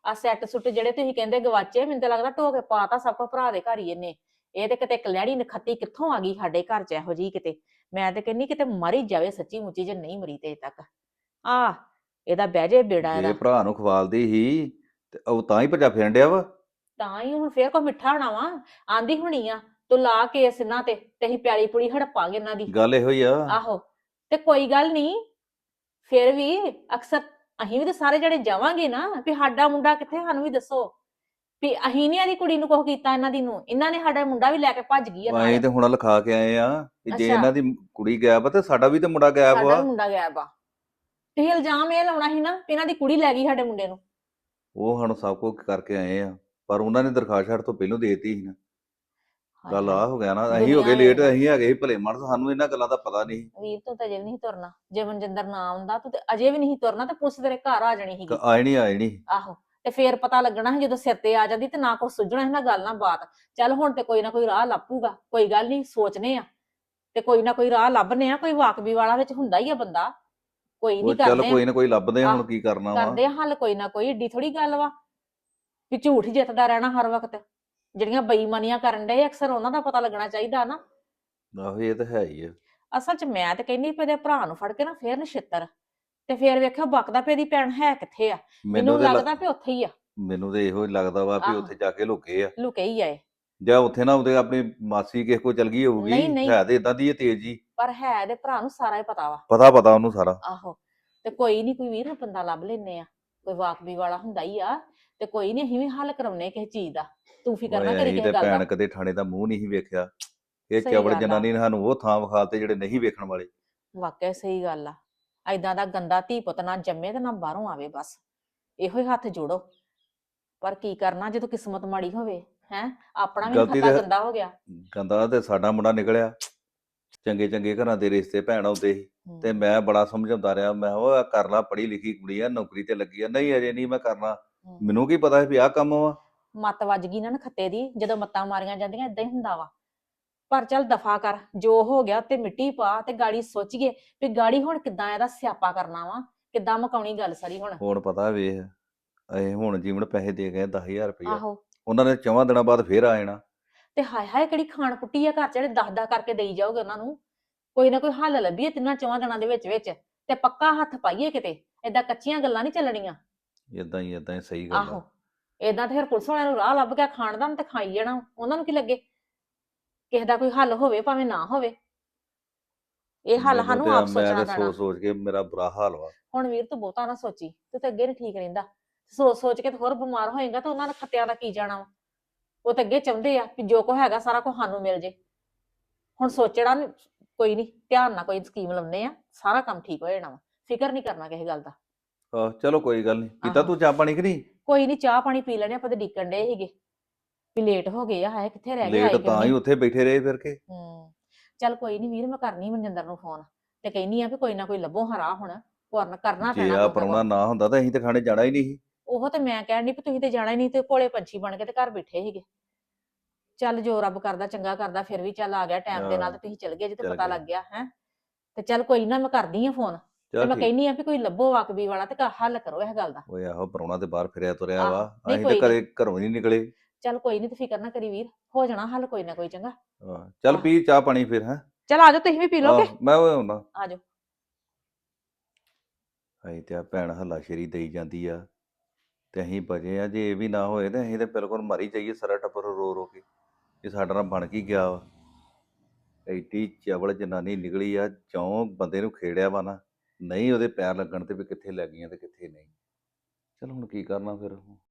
G: ਆ ਸੈੱਟ ਸੁੱਟ ਜਿਹੜੇ ਤੁਸੀਂ ਕਹਿੰਦੇ ਗਵਾਚੇ, ਮੈਨੂੰ ਤਾਂ ਲੱਗਦਾ ਢੋ ਕੇ ਪਾਤਾ ਸਭ ਕੁਝ ਭਰਾ ਦੇ ਘਰ ਹੀ ਇਹਨੇ। ਇਹ ਤੇ ਕਿਤੇ ਕਲੈੜੀ ਨਖੱਤੀ ਕਿੱਥੋਂ ਆ ਗਈ ਸਾਡੇ ਘਰ ਚ ਇਹੋ ਜਿਹੀ ਕਿਤੇ। ਮੈਂ ਤੇ ਕਹਿੰਨੀ ਕਿਤੇ ਮਰ ਹੀ ਜਾਵੇ ਸੱਚੀ ਮੁੱਚੀ, ਜੇ ਨਹੀਂ ਮਰੀ ਤੇ ਅਜੇ ਤੱਕ। ਆ ਇਹਦਾ ਬਹਿ ਜੇ ਬੇੜਾ
E: ਜੇ
G: ਇਹਦਾ।
E: ਭਰਾ ਨੂੰ ਖਵਾਲਦੀ ਸੀ ਤੇ ਉਹ ਤਾਂ ਹੀ ਭੱਜਾ ਫਿਰਨ ਡਿਆ ਵਾ।
G: ਤਾਂ ਹੀ ਹੁਣ ਫੇਰ ਕੋ ਮਿੱਠਾ ਹੋਣਾ ਵਾ। ਆਂਦੀ ਹੋਣੀ ਆ ਤੂੰ ਲਾ ਕੇਸ ਇਹਨਾਂ ਤੇ ਅਸੀਂ ਪਿਆਲੀ ਪੁਲੀ ਹੜਪਾਂਗੇ ਇਹਨਾਂ ਦੀ।
E: ਗੱਲ ਇਹੋ ਹੀ ਆ।
G: ਆਹੋ ਤੇ ਕੋਈ ਗੱਲ ਨਹੀਂ, ਫਿਰ ਵੀ ਅਕਸਰ ਅਸੀਂ ਵੀ ਤਾਂ ਸਾਰੇ ਜਿਹੜੇ ਜਾਵਾਂਗੇ ਨਾ ਵੀ ਸਾਡਾ ਮੁੰਡਾ ਕਿੱਥੇ, ਸਾਨੂੰ ਵੀ ਦੱਸੋ ਵੀ ਅਸੀਂ ਨੀ ਇਹਦੀ ਕੁੜੀ ਨੂੰ ਕੁਛ ਕੀਤਾ, ਇਹਨਾਂ ਦੀ ਨੂੰ ਇਹਨਾਂ ਨੇ ਸਾਡਾ ਮੁੰਡਾ ਵੀ ਲੈ ਕੇ ਭੱਜ ਗਈ ਆ
E: ਅਸੀਂ
G: ਨਾਲ।
E: ਤੇ ਹੁਣ ਲਿਖਾ ਕੇ ਆਏ ਆ ਕਿ ਜੇ
G: ਅੱਛਾ।
E: ਇਹਨਾਂ ਦੀ ਕੁੜੀ ਗਾਇਬ ਆ ਤੇ ਸਾਡਾ ਵੀ ਤੇ ਮੁੰਡਾ ਗਾਇਬ
G: ਸਾਡਾ
E: ਵਾ।
G: ਵੀ ਮੁੰਡਾ ਗਾਇਬ ਆ। ਤੁਸੀਂ ਇਲਜ਼ਾਮ ਇਹ ਲਾਉਣਾ ਸੀ ਨਾ ਵੀ ਇਹਨਾਂ ਦੀ ਕੁੜੀ ਲੈ ਗਈ ਸਾਡੇ ਮੁੰਡੇ ਨੂੰ।
E: ਉਹ ਸਾਨੂੰ ਸਭ ਕੁਝ ਕਰਕੇ ਆਏ ਆ, ਪਰ ਉਹਨਾਂ ਨੇ ਦਰਖਾਸਤ ਛੱਡ ਤੋਂ ਪਹਿਲਾਂ ਦੇਤੀ ਸੀ ਨਾ।
G: ਹਾਏ
E: ਗੱਲ
G: ਹਾਏ।
E: ਆ ਹੋ ਗਿਆ ਨਾ, ਅਸੀਂ ਹੋ ਗਏ
G: ਦੁਨੀਆ
E: ਲੇਟ,
G: ਵੇਖ।
E: ਅਸੀਂ ਹੈਗੇ ਸੀ ਭਲੇ ਮਾਨਸ, ਸਾਨੂੰ ਇਹਨਾਂ ਗੱਲਾਂ ਦਾ ਪਤਾ ਨਹੀਂ।
G: ਵੀਰ ਤੂੰ ਤਾਂ ਅਜੇ ਵੀ ਨਹੀਂ ਤੁਰਨਾ। ਜੇ ਮਨਜਿੰਦਰ ਨਾ ਆਉਂਦਾ ਤੂੰ ਤੇ ਅਜੇ ਵੀ ਨਹੀਂ ਤੁਰਨਾ, ਤੇ ਪੁਲਿਸ ਤੇਰੇ ਘਰ ਆ ਜਾਣੀ ਸੀਗੀ।
E: ਆਏ ਨਹੀਂ।
G: ਆਹੋ ਤੇ ਫੇਰ ਪਤਾ ਲੱਗਣਾ ਸੀ ਜਦੋਂ ਸਿਰ ਤੇ ਆ ਜਾਂਦੀ, ਤੇ ਨਾ ਕੁਛ ਸੁਝਣਾ ਸੀ ਨਾ ਗੱਲ ਨਾ ਬਾਤ। ਚੱਲ ਹੁਣ ਤੇ ਕੋਈ ਨਾ ਕੋਈ ਰਾਹ ਲੱਭੂਗਾ, ਕੋਈ ਗੱਲ ਨਹੀਂ, ਸੋਚਨੇ ਆ ਤੇ ਕੋਈ ਨਾ ਕੋਈ ਰਾਹ ਲੱਭਨੇ ਆ। ਕੋਈ ਵਾਕਬੀ ਵਾਲਾ ਵਿੱਚ ਹੁੰਦਾ ਹੀ ਆ ਬੰਦਾ, ਕੋਈ
E: ਉਹ
G: ਨਹੀਂ
E: ਚੱਲ
G: ਕਰਦੇ
E: ਕੋਈ ਨਾ ਕੋਈ ਲੱਭਦੇ ਆ, ਹੁਣ
G: ਆਹ,
E: ਕੀ ਕਰਨਾ ਵਾ।
G: ਕਰਦੇ ਆ ਹੱਲ ਕੋਈ ਨਾ ਕੋਈ। ਏਡੀ ਥੋੜੀ ਗੱਲ ਵਾ ਵੀ ਝੂਠ ਹੀ ਜਿੱਤਦਾ ਰਹਿਣਾ ਹਰ ਵਕਤ। ਜਿਹੜੀਆਂ ਬੇਈਮਾਨੀਆਂ ਕਰਨ ਡਏ ਅਕਸਰ ਉਹਨਾਂ ਦਾ ਪਤਾ ਲੱਗਣਾ ਚਾਹੀਦਾ ਨਾ।
E: ਆਹੋ ਇਹ ਤਾਂ ਹੈ ਹੀ ਆ।
G: ਅਸਲ 'ਚ ਮੈਂ ਤੇ ਕਹਿੰਦੀ ਪਈ ਇਹਦੇ ਭਰਾ ਨੂੰ ਫੜ ਕੇ ਨਾ ਫੇਰ ਨਛਿੱਤਰ, ਤੇ ਫੇਰ ਵੇਖਿਓ ਬਕਦਾ ਪਈ ਇਹਦੀ ਭੈਣ ਹੈ ਕਿੱਥੇ ਆ। ਮੈਨੂੰ
E: ਤੇ
G: ਲੱਗਦਾ ਵੀ ਉੱਥੇ ਹੀ ਆ,
E: ਮੈਨੂੰ ਤੇ ਇਹੋ ਹੀ ਲੱਗਦਾ ਵਾ ਵੀ
G: ਆਹੋ।
E: ਉੱਥੇ ਜਾ ਕੇ ਲੁਕੇ ਆ,
G: ਲੁਕੇ ਹੀ ਆਏ।
E: ਜਾਂ ਉੱਥੇ ਨਾ ਉਹਦੇ ਆਪਣੀ ਮਾਸੀ ਕਿਸੇ ਕੋਲ ਚਲ ਗਈ ਹੋਊਗੀ।
G: ਨਹੀਂ, ਨਹੀਂ।
E: ਹੈ ਤੇ ਇਦਾਂ ਦੀ ਇਹ ਤੇਜ਼ ਜੀ।
G: ਪਰ ਹੈ ਇਹਦੇ ਭਰਾ ਨੂੰ ਸਾਰਾ ਹੀ ਪਤਾ ਵਾ।
E: ਪਤਾ ਉਹਨੂੰ ਸਾਰਾ।
G: ਆਹੋ ਤੇ ਕੋਈ ਨਹੀਂ, ਕੋਈ ਵੀਰ ਬੰਦਾ ਲੱਭ ਲੈਨੇ ਆ, ਕੋਈ ਵਾਕਬੀ ਵਾਲਾ ਹੁੰਦਾ ਹੀ ਆ, ਤੇ ਕੋਈ ਨਹੀਂ ਅਸੀਂ ਵੀ ਹੱਲ ਕਰਾਉਨੇ ਕਿਸੇ ਚੀਜ਼ ਦਾ। ਤੂੰ ਫਿਕਰ ਨਾ
E: ਓਏ
G: ਕਰੀ
E: ਅਸੀਂ
G: ਕਿਸੇ
E: ਤੇ
G: ਗੱਲ
E: ਭੈਣ
G: ਦਾ।
E: ਕਦੇ ਥਾਣੇ ਦਾ ਮੂੰਹ ਨਹੀਂ ਵੇਖਿਆ। ਇਹ
G: ਸਹੀ
E: ਚਵਲ
G: ਗੱਲ ਆ।
E: ਜਨਾਨੀ ਨੇ ਸਾਨੂੰ ਉਹ ਥਾਂ ਵਿਖਾਲਤੇ ਜਿਹੜੇ ਨਹੀਂ ਵੇਖਣ ਵਾਲੇ।
G: ਵਾਕਿਆ ਸਹੀ ਗੱਲ ਆ। ਐਦਾਂ ਦਾ ਗੰਦਾ ਧੀ ਪੁੱਤ ਨਾ ਜੰਮੇ ਤੇ ਨਾ ਬਾਹਰੋਂ ਆਵੇ, ਬਸ ਇਹੋ ਹੀ ਹੱਥ ਜੋੜੋ। ਪਰ ਕੀ ਕਰਨਾ ਜਦੋਂ ਕਿਸਮਤ ਮਾੜੀ ਹੋਵੇ, ਹੈ ਆਪਣਾ ਵੀ
E: ਗਲਤੀ
G: ਖੱਤਾ
E: ਤੇ
G: ਗੰਦਾ ਹੋ ਗਿਆ।
E: ਗੰਦਾ ਤੇ ਸਾਡਾ ਮੁੰਡਾ ਨਿਕਲਿਆ। ਚੰਗੇ ਚੰਗੇ ਘਰਾਂ ਦੇ ਰਿਸ਼ਤੇ ਭੈਣ ਆਉਂਦੇ ਸੀ ਤੇ ਮੈਂ ਬੜਾ ਸਮਝਾਉਂਦਾ ਰਿਹਾ, ਮੈਂ ਉਹ ਕਰ ਲਾ, ਪੜ੍ਹੀ ਲਿਖੀ ਕੁੜੀ ਆ, ਨੌਕਰੀ ਤੇ ਲੱਗੀ ਆ। ਨਹੀਂ ਅਜੇ ਨਹੀਂ ਮੈਂ ਕਰਨਾ। ਮੈਨੂੰ ਕੀ ਪਤਾ ਸੀ ਵੀ ਆਹ ਕੰਮ ਵਾ।
G: ਮੱਤ ਵੱਜ ਗਈ ਨਾ ਖੱਤੇ ਦੀ, ਜਦੋਂ ਮੱਤਾਂ ਮਾਰੀਆਂ ਜਾਂਦੀਆਂ ਏਦਾਂ ਹੀ ਹੁੰਦਾ ਵਾ। ਪਰ ਚੱਲ ਦਫਾ ਕਰ, ਜੋ ਹੋ ਗਿਆ ਤੇ ਮਿੱਟੀ ਪਾ, ਤੇ ਗਾੜੀ ਸੋਚੀਏ ਵੀ ਗਾੜੀ ਹੁਣ ਕਿੱਦਾਂ ਇਹਦਾ ਸਿਆਪਾ ਕਰਨਾ ਵਾ, ਕਿੱਦਾਂ ਮੁਕਾਉਣੀ ਗੱਲ ਸਾਰੀ ਹੁਣ।
E: ਹੁਣ ਪਤਾ ਵੇਖ, ਇਹ ਹੁਣ ਜੀਵਨ ਪੈਸੇ ਦੇ ਗਏ 10,000 ਰੁਪਇਆ।
G: ਆਹੋ
E: ਉਹਨਾਂ ਨੇ 4 ਦਿਨਾਂ ਬਾਅਦ ਫੇਰ ਆ ਜਾਣਾ।
G: ਤੇ ਹਾਏ ਹਾਏ ਕਿਹੜੀ ਖਾਣ ਪੁੱਟੀ ਆ ਘਰ ਚ, ਜਿਹੜੇ 10 ਕਰਕੇ ਦੇਈ ਜਾਓਗੇ ਉਹਨਾਂ ਨੂੰ। ਕੋਈ ਨਾ ਕੋਈ ਹੱਲ ਲੱਭੀਏ ਤਿੰਨਾਂ 4 ਦਿਨਾਂ ਦੇ ਵਿੱਚ ਤੇ ਪੱਕਾ ਹੱਥ ਪਾਈਏ ਕਿਤੇ। ਏਦਾਂ ਕੱਚੀਆਂ ਗੱਲਾਂ ਨਹੀਂ ਚੱਲਣੀਆਂ।
E: ਇਦਾਂ ਹੀ ਸਹੀ ਗੱਲ
G: ਆਹੋ
E: ਆ।
G: ਏਦਾਂ ਤੇ ਫਿਰ ਪੁਲਿਸ ਵਾਲਿਆਂ ਨੂੰ ਰਾਹ ਲੱਭ ਗਿਆ ਖਾਣ ਦਾ, ਤੇ ਖਾਈ ਜਾਣਾ। ਉਹਨਾਂ ਨੂੰ ਕੀ ਲੱਗੇ, ਕਿਸੇ ਦਾ ਕੋਈ ਹੱਲ ਹੋਵੇ ਭਾਵੇਂ ਨਾ ਹੋਵੇ। ਇਹ ਹੱਲ
E: ਮੈਨੂੰ
G: ਸਾਨੂੰ
E: ਤੇ
G: ਆਪ
E: ਮੈਂ
G: ਸੋਚਣਾ
E: ਤੇ
G: ਪੈਣਾ।
E: ਸੋਚ ਕੇ ਮੇਰਾ ਬੁਰਾ ਹਾਲ ਵਾ।
G: ਹੁਣ ਵੀਰ ਤੂੰ ਬਹੁਤਾ ਨਾ ਸੋਚੀ, ਤੂੰ ਤੇ ਅੱਗੇ ਨੀ ਠੀਕ ਰਹਿੰਦਾ। ਸੋਚ ਕੇ ਤੇ ਹੋਰ ਬਿਮਾਰ ਹੋਏਗਾ, ਤਾਂ ਉਹਨਾਂ ਦੇ ਖੱਤਿਆਂ ਦਾ ਕੀ ਜਾਣਾ ਵਾ। ਉਹ ਤੇ ਅੱਗੇ ਚਾਹੁੰਦੇ ਆ ਕਿ ਜੋ ਕੁਛ ਹੈਗਾ ਸਾਰਾ ਕੁਝ ਸਾਨੂੰ ਮਿਲ ਜੇ। ਹੁਣ ਸੋਚਣਾ ਕੋਈ ਨਹੀਂ, ਧਿਆਨ ਨਾਲ ਕੋਈ ਸਕੀਮ ਲਾਉਨੇ ਆ, ਸਾਰਾ ਕੰਮ ਠੀਕ ਹੋ ਜਾਣਾ ਵਾ। ਫਿਕਰ ਨਹੀਂ ਕਰਨਾ ਕਿਸੇ ਗੱਲ ਦਾ।
E: ਆਹ ਚਲੋ ਕੋਈ ਗੱਲ ਨਹੀਂ। ਪੀਤਾ
G: ਆਹੋ।
E: ਤੂੰ ਚਾਹ ਪਾਣੀ ਕਿ ਨਹੀਂ?
G: ਕੋਈ ਨਹੀਂ, ਚਾਹ ਪਾਣੀ ਪੀ ਲੈਣੇ ਆਪਾਂ, ਤੇ ਡੀਕਣ ਡੇ ਸੀਗੇ ਵੀ ਲੇਟ ਹੋ ਗਏ ਆ। ਹਾਏ ਕਿੱਥੇ ਰਹਿ ਗਏ, ਆਏ
E: ਲੇਟ
G: ਕਿਉਂ
E: ਤਾਂ ਹੀ
G: ਨਹੀਂ।
E: ਉੱਥੇ ਬੈਠੇ ਰਹੇ ਫਿਰ ਕੇ।
G: ਚੱਲ ਕੋਈ ਨਹੀਂ ਵੀਰ, ਮੈਂ ਕਰਨੀ ਮਨਜਿੰਦਰ ਨੂੰ ਫੋਨ, ਤੇ ਕਹਿੰਨੀ ਆ ਵੀ ਕੋਈ ਨਾ ਕੋਈ ਲੱਭੋ ਹਰਾ ਹੁਣ। ਕਰਨਾ
E: ਜੇ
G: ਪੈਣਾ
E: ਆ
G: ਕੋਈ ਨਾ
E: ਪ੍ਰਾਹੁਣਾ
G: ਕੋਈ।
E: ਨਾ ਹੁੰਦਾ ਤਾਂ ਅਸੀਂ ਤੇ ਖਾਣੇ ਜਾਣਾ ਹੀ ਨਹੀਂ ਸੀ।
G: ਉਹ ਤੇ ਮੈਂ ਕਹਿਣ ਡਈ ਵੀ ਤੁਸੀਂ ਤੇ ਜਾਣਾ ਹੀ ਨਹੀਂ, ਤੇ ਭੋਲੇ ਪੰਛੀ ਬਣ ਕੇ ਤੇ ਘਰ ਬੈਠੇ ਸੀਗੇ। ਚੱਲ ਜੋ ਰੱਬ ਕਰਦਾ ਚੰਗਾ ਕਰਦਾ, ਫਿਰ ਵੀ ਚੱਲ ਆ ਗਿਆ ਟਾਈਮ ਦੇ ਨਾਲ, ਤੇ ਤੁਸੀਂ ਚਲ ਗਏ ਜੇ, ਤੇ
E: ਚੱਲ
G: ਪਤਾ
E: ਗਏ।
G: ਲੱਗ ਗਿਆ ਹੈ। ਤੇ ਚੱਲ ਕੋਈ ਨਾ, ਮੈਂ ਕਰਦੀ ਆ ਫੋਨ, ਤੇ
E: ਚੱਲ
G: ਮੈਂ
E: ਠੀਕ।
G: ਕਹਿੰਨੀ ਆ ਵੀ ਕੋਈ ਲੱਭੋ ਵਾਕਬੀ ਵਾਲਾ, ਤੇ ਹੱਲ ਕਰੋ ਇਹ ਗੱਲ ਦਾ।
E: ਓਏ ਆਹੋ, ਪ੍ਰਾਹੁਣਾ ਤੇ ਬਾਹਰ ਫਿਰਿਆ ਤੁਰਿਆ ਵਾ।
G: ਆਹੋ, ਨਹੀਂ
E: ਅਸੀਂ ਤੇ
G: ਕੋਈ
E: ਘਰੋਂ ਹੀ ਨਹੀਂ ਨਿਕਲੇ।
G: ਚੱਲ ਕੋਈ ਨਹੀਂ, ਤੇ ਫਿਕਰ ਨਾ ਕਰੀ ਵੀਰ, ਹੋ ਜਾਣਾ ਹੱਲ ਕੋਈ ਨਾ ਕੋਈ। ਚੰਗਾ
E: ਚੱਲ
G: ਆਹ।
E: ਪੀ ਚਾਹ ਪਾਣੀ ਫਿਰ। ਹੈ
G: ਚੱਲ ਆਜੋ, ਤੁਸੀਂ ਵੀ ਪੀ ਲੋਗੇ।
E: ਮੈਂ ਉਹ ਆਉਣਾ।
G: ਆਜੋ।
E: ਅਸੀਂ ਤੇ ਆ ਭੈਣ ਹੱਲਾਸ਼ੇਰੀ ਦੇਈ ਜਾਂਦੀ ਆ, ਤੇ ਅਸੀਂ ਬਚੇ ਆ। ਜੇ ਇਹ ਵੀ ਨਾ ਹੋਏ ਤੇ ਅਸੀਂ ਤੇ ਬਿਲਕੁਲ ਮਰ ਹੀ ਜਾਈਏ ਸਾਰਾ ਟੱਬਰ ਰੋ ਰੋ ਕੇ। ਇਹ ਸਾਡਾ ਨਾਲ ਬਣ ਕੀ ਗਿਆ ਵਾ। ਐਡੀ ਚਵਲ ਜਨਾਨੀ ਨਿਕਲੀ ਆ, ਜਿਉਂ ਬੰਦੇ ਨੂੰ ਖੇੜਿਆ ਵਾ ਨਾ, ਨਹੀਂ ਉਹਦੇ ਪੈਰ ਲੱਗਣ ਤੇ ਵੀ ਕਿੱਥੇ ਲੱਗ ਗਈਆਂ ਤੇ ਕਿੱਥੇ ਨਹੀਂ। ਚਲ ਹੁਣ ਕੀ ਕਰਨਾ ਫਿਰ।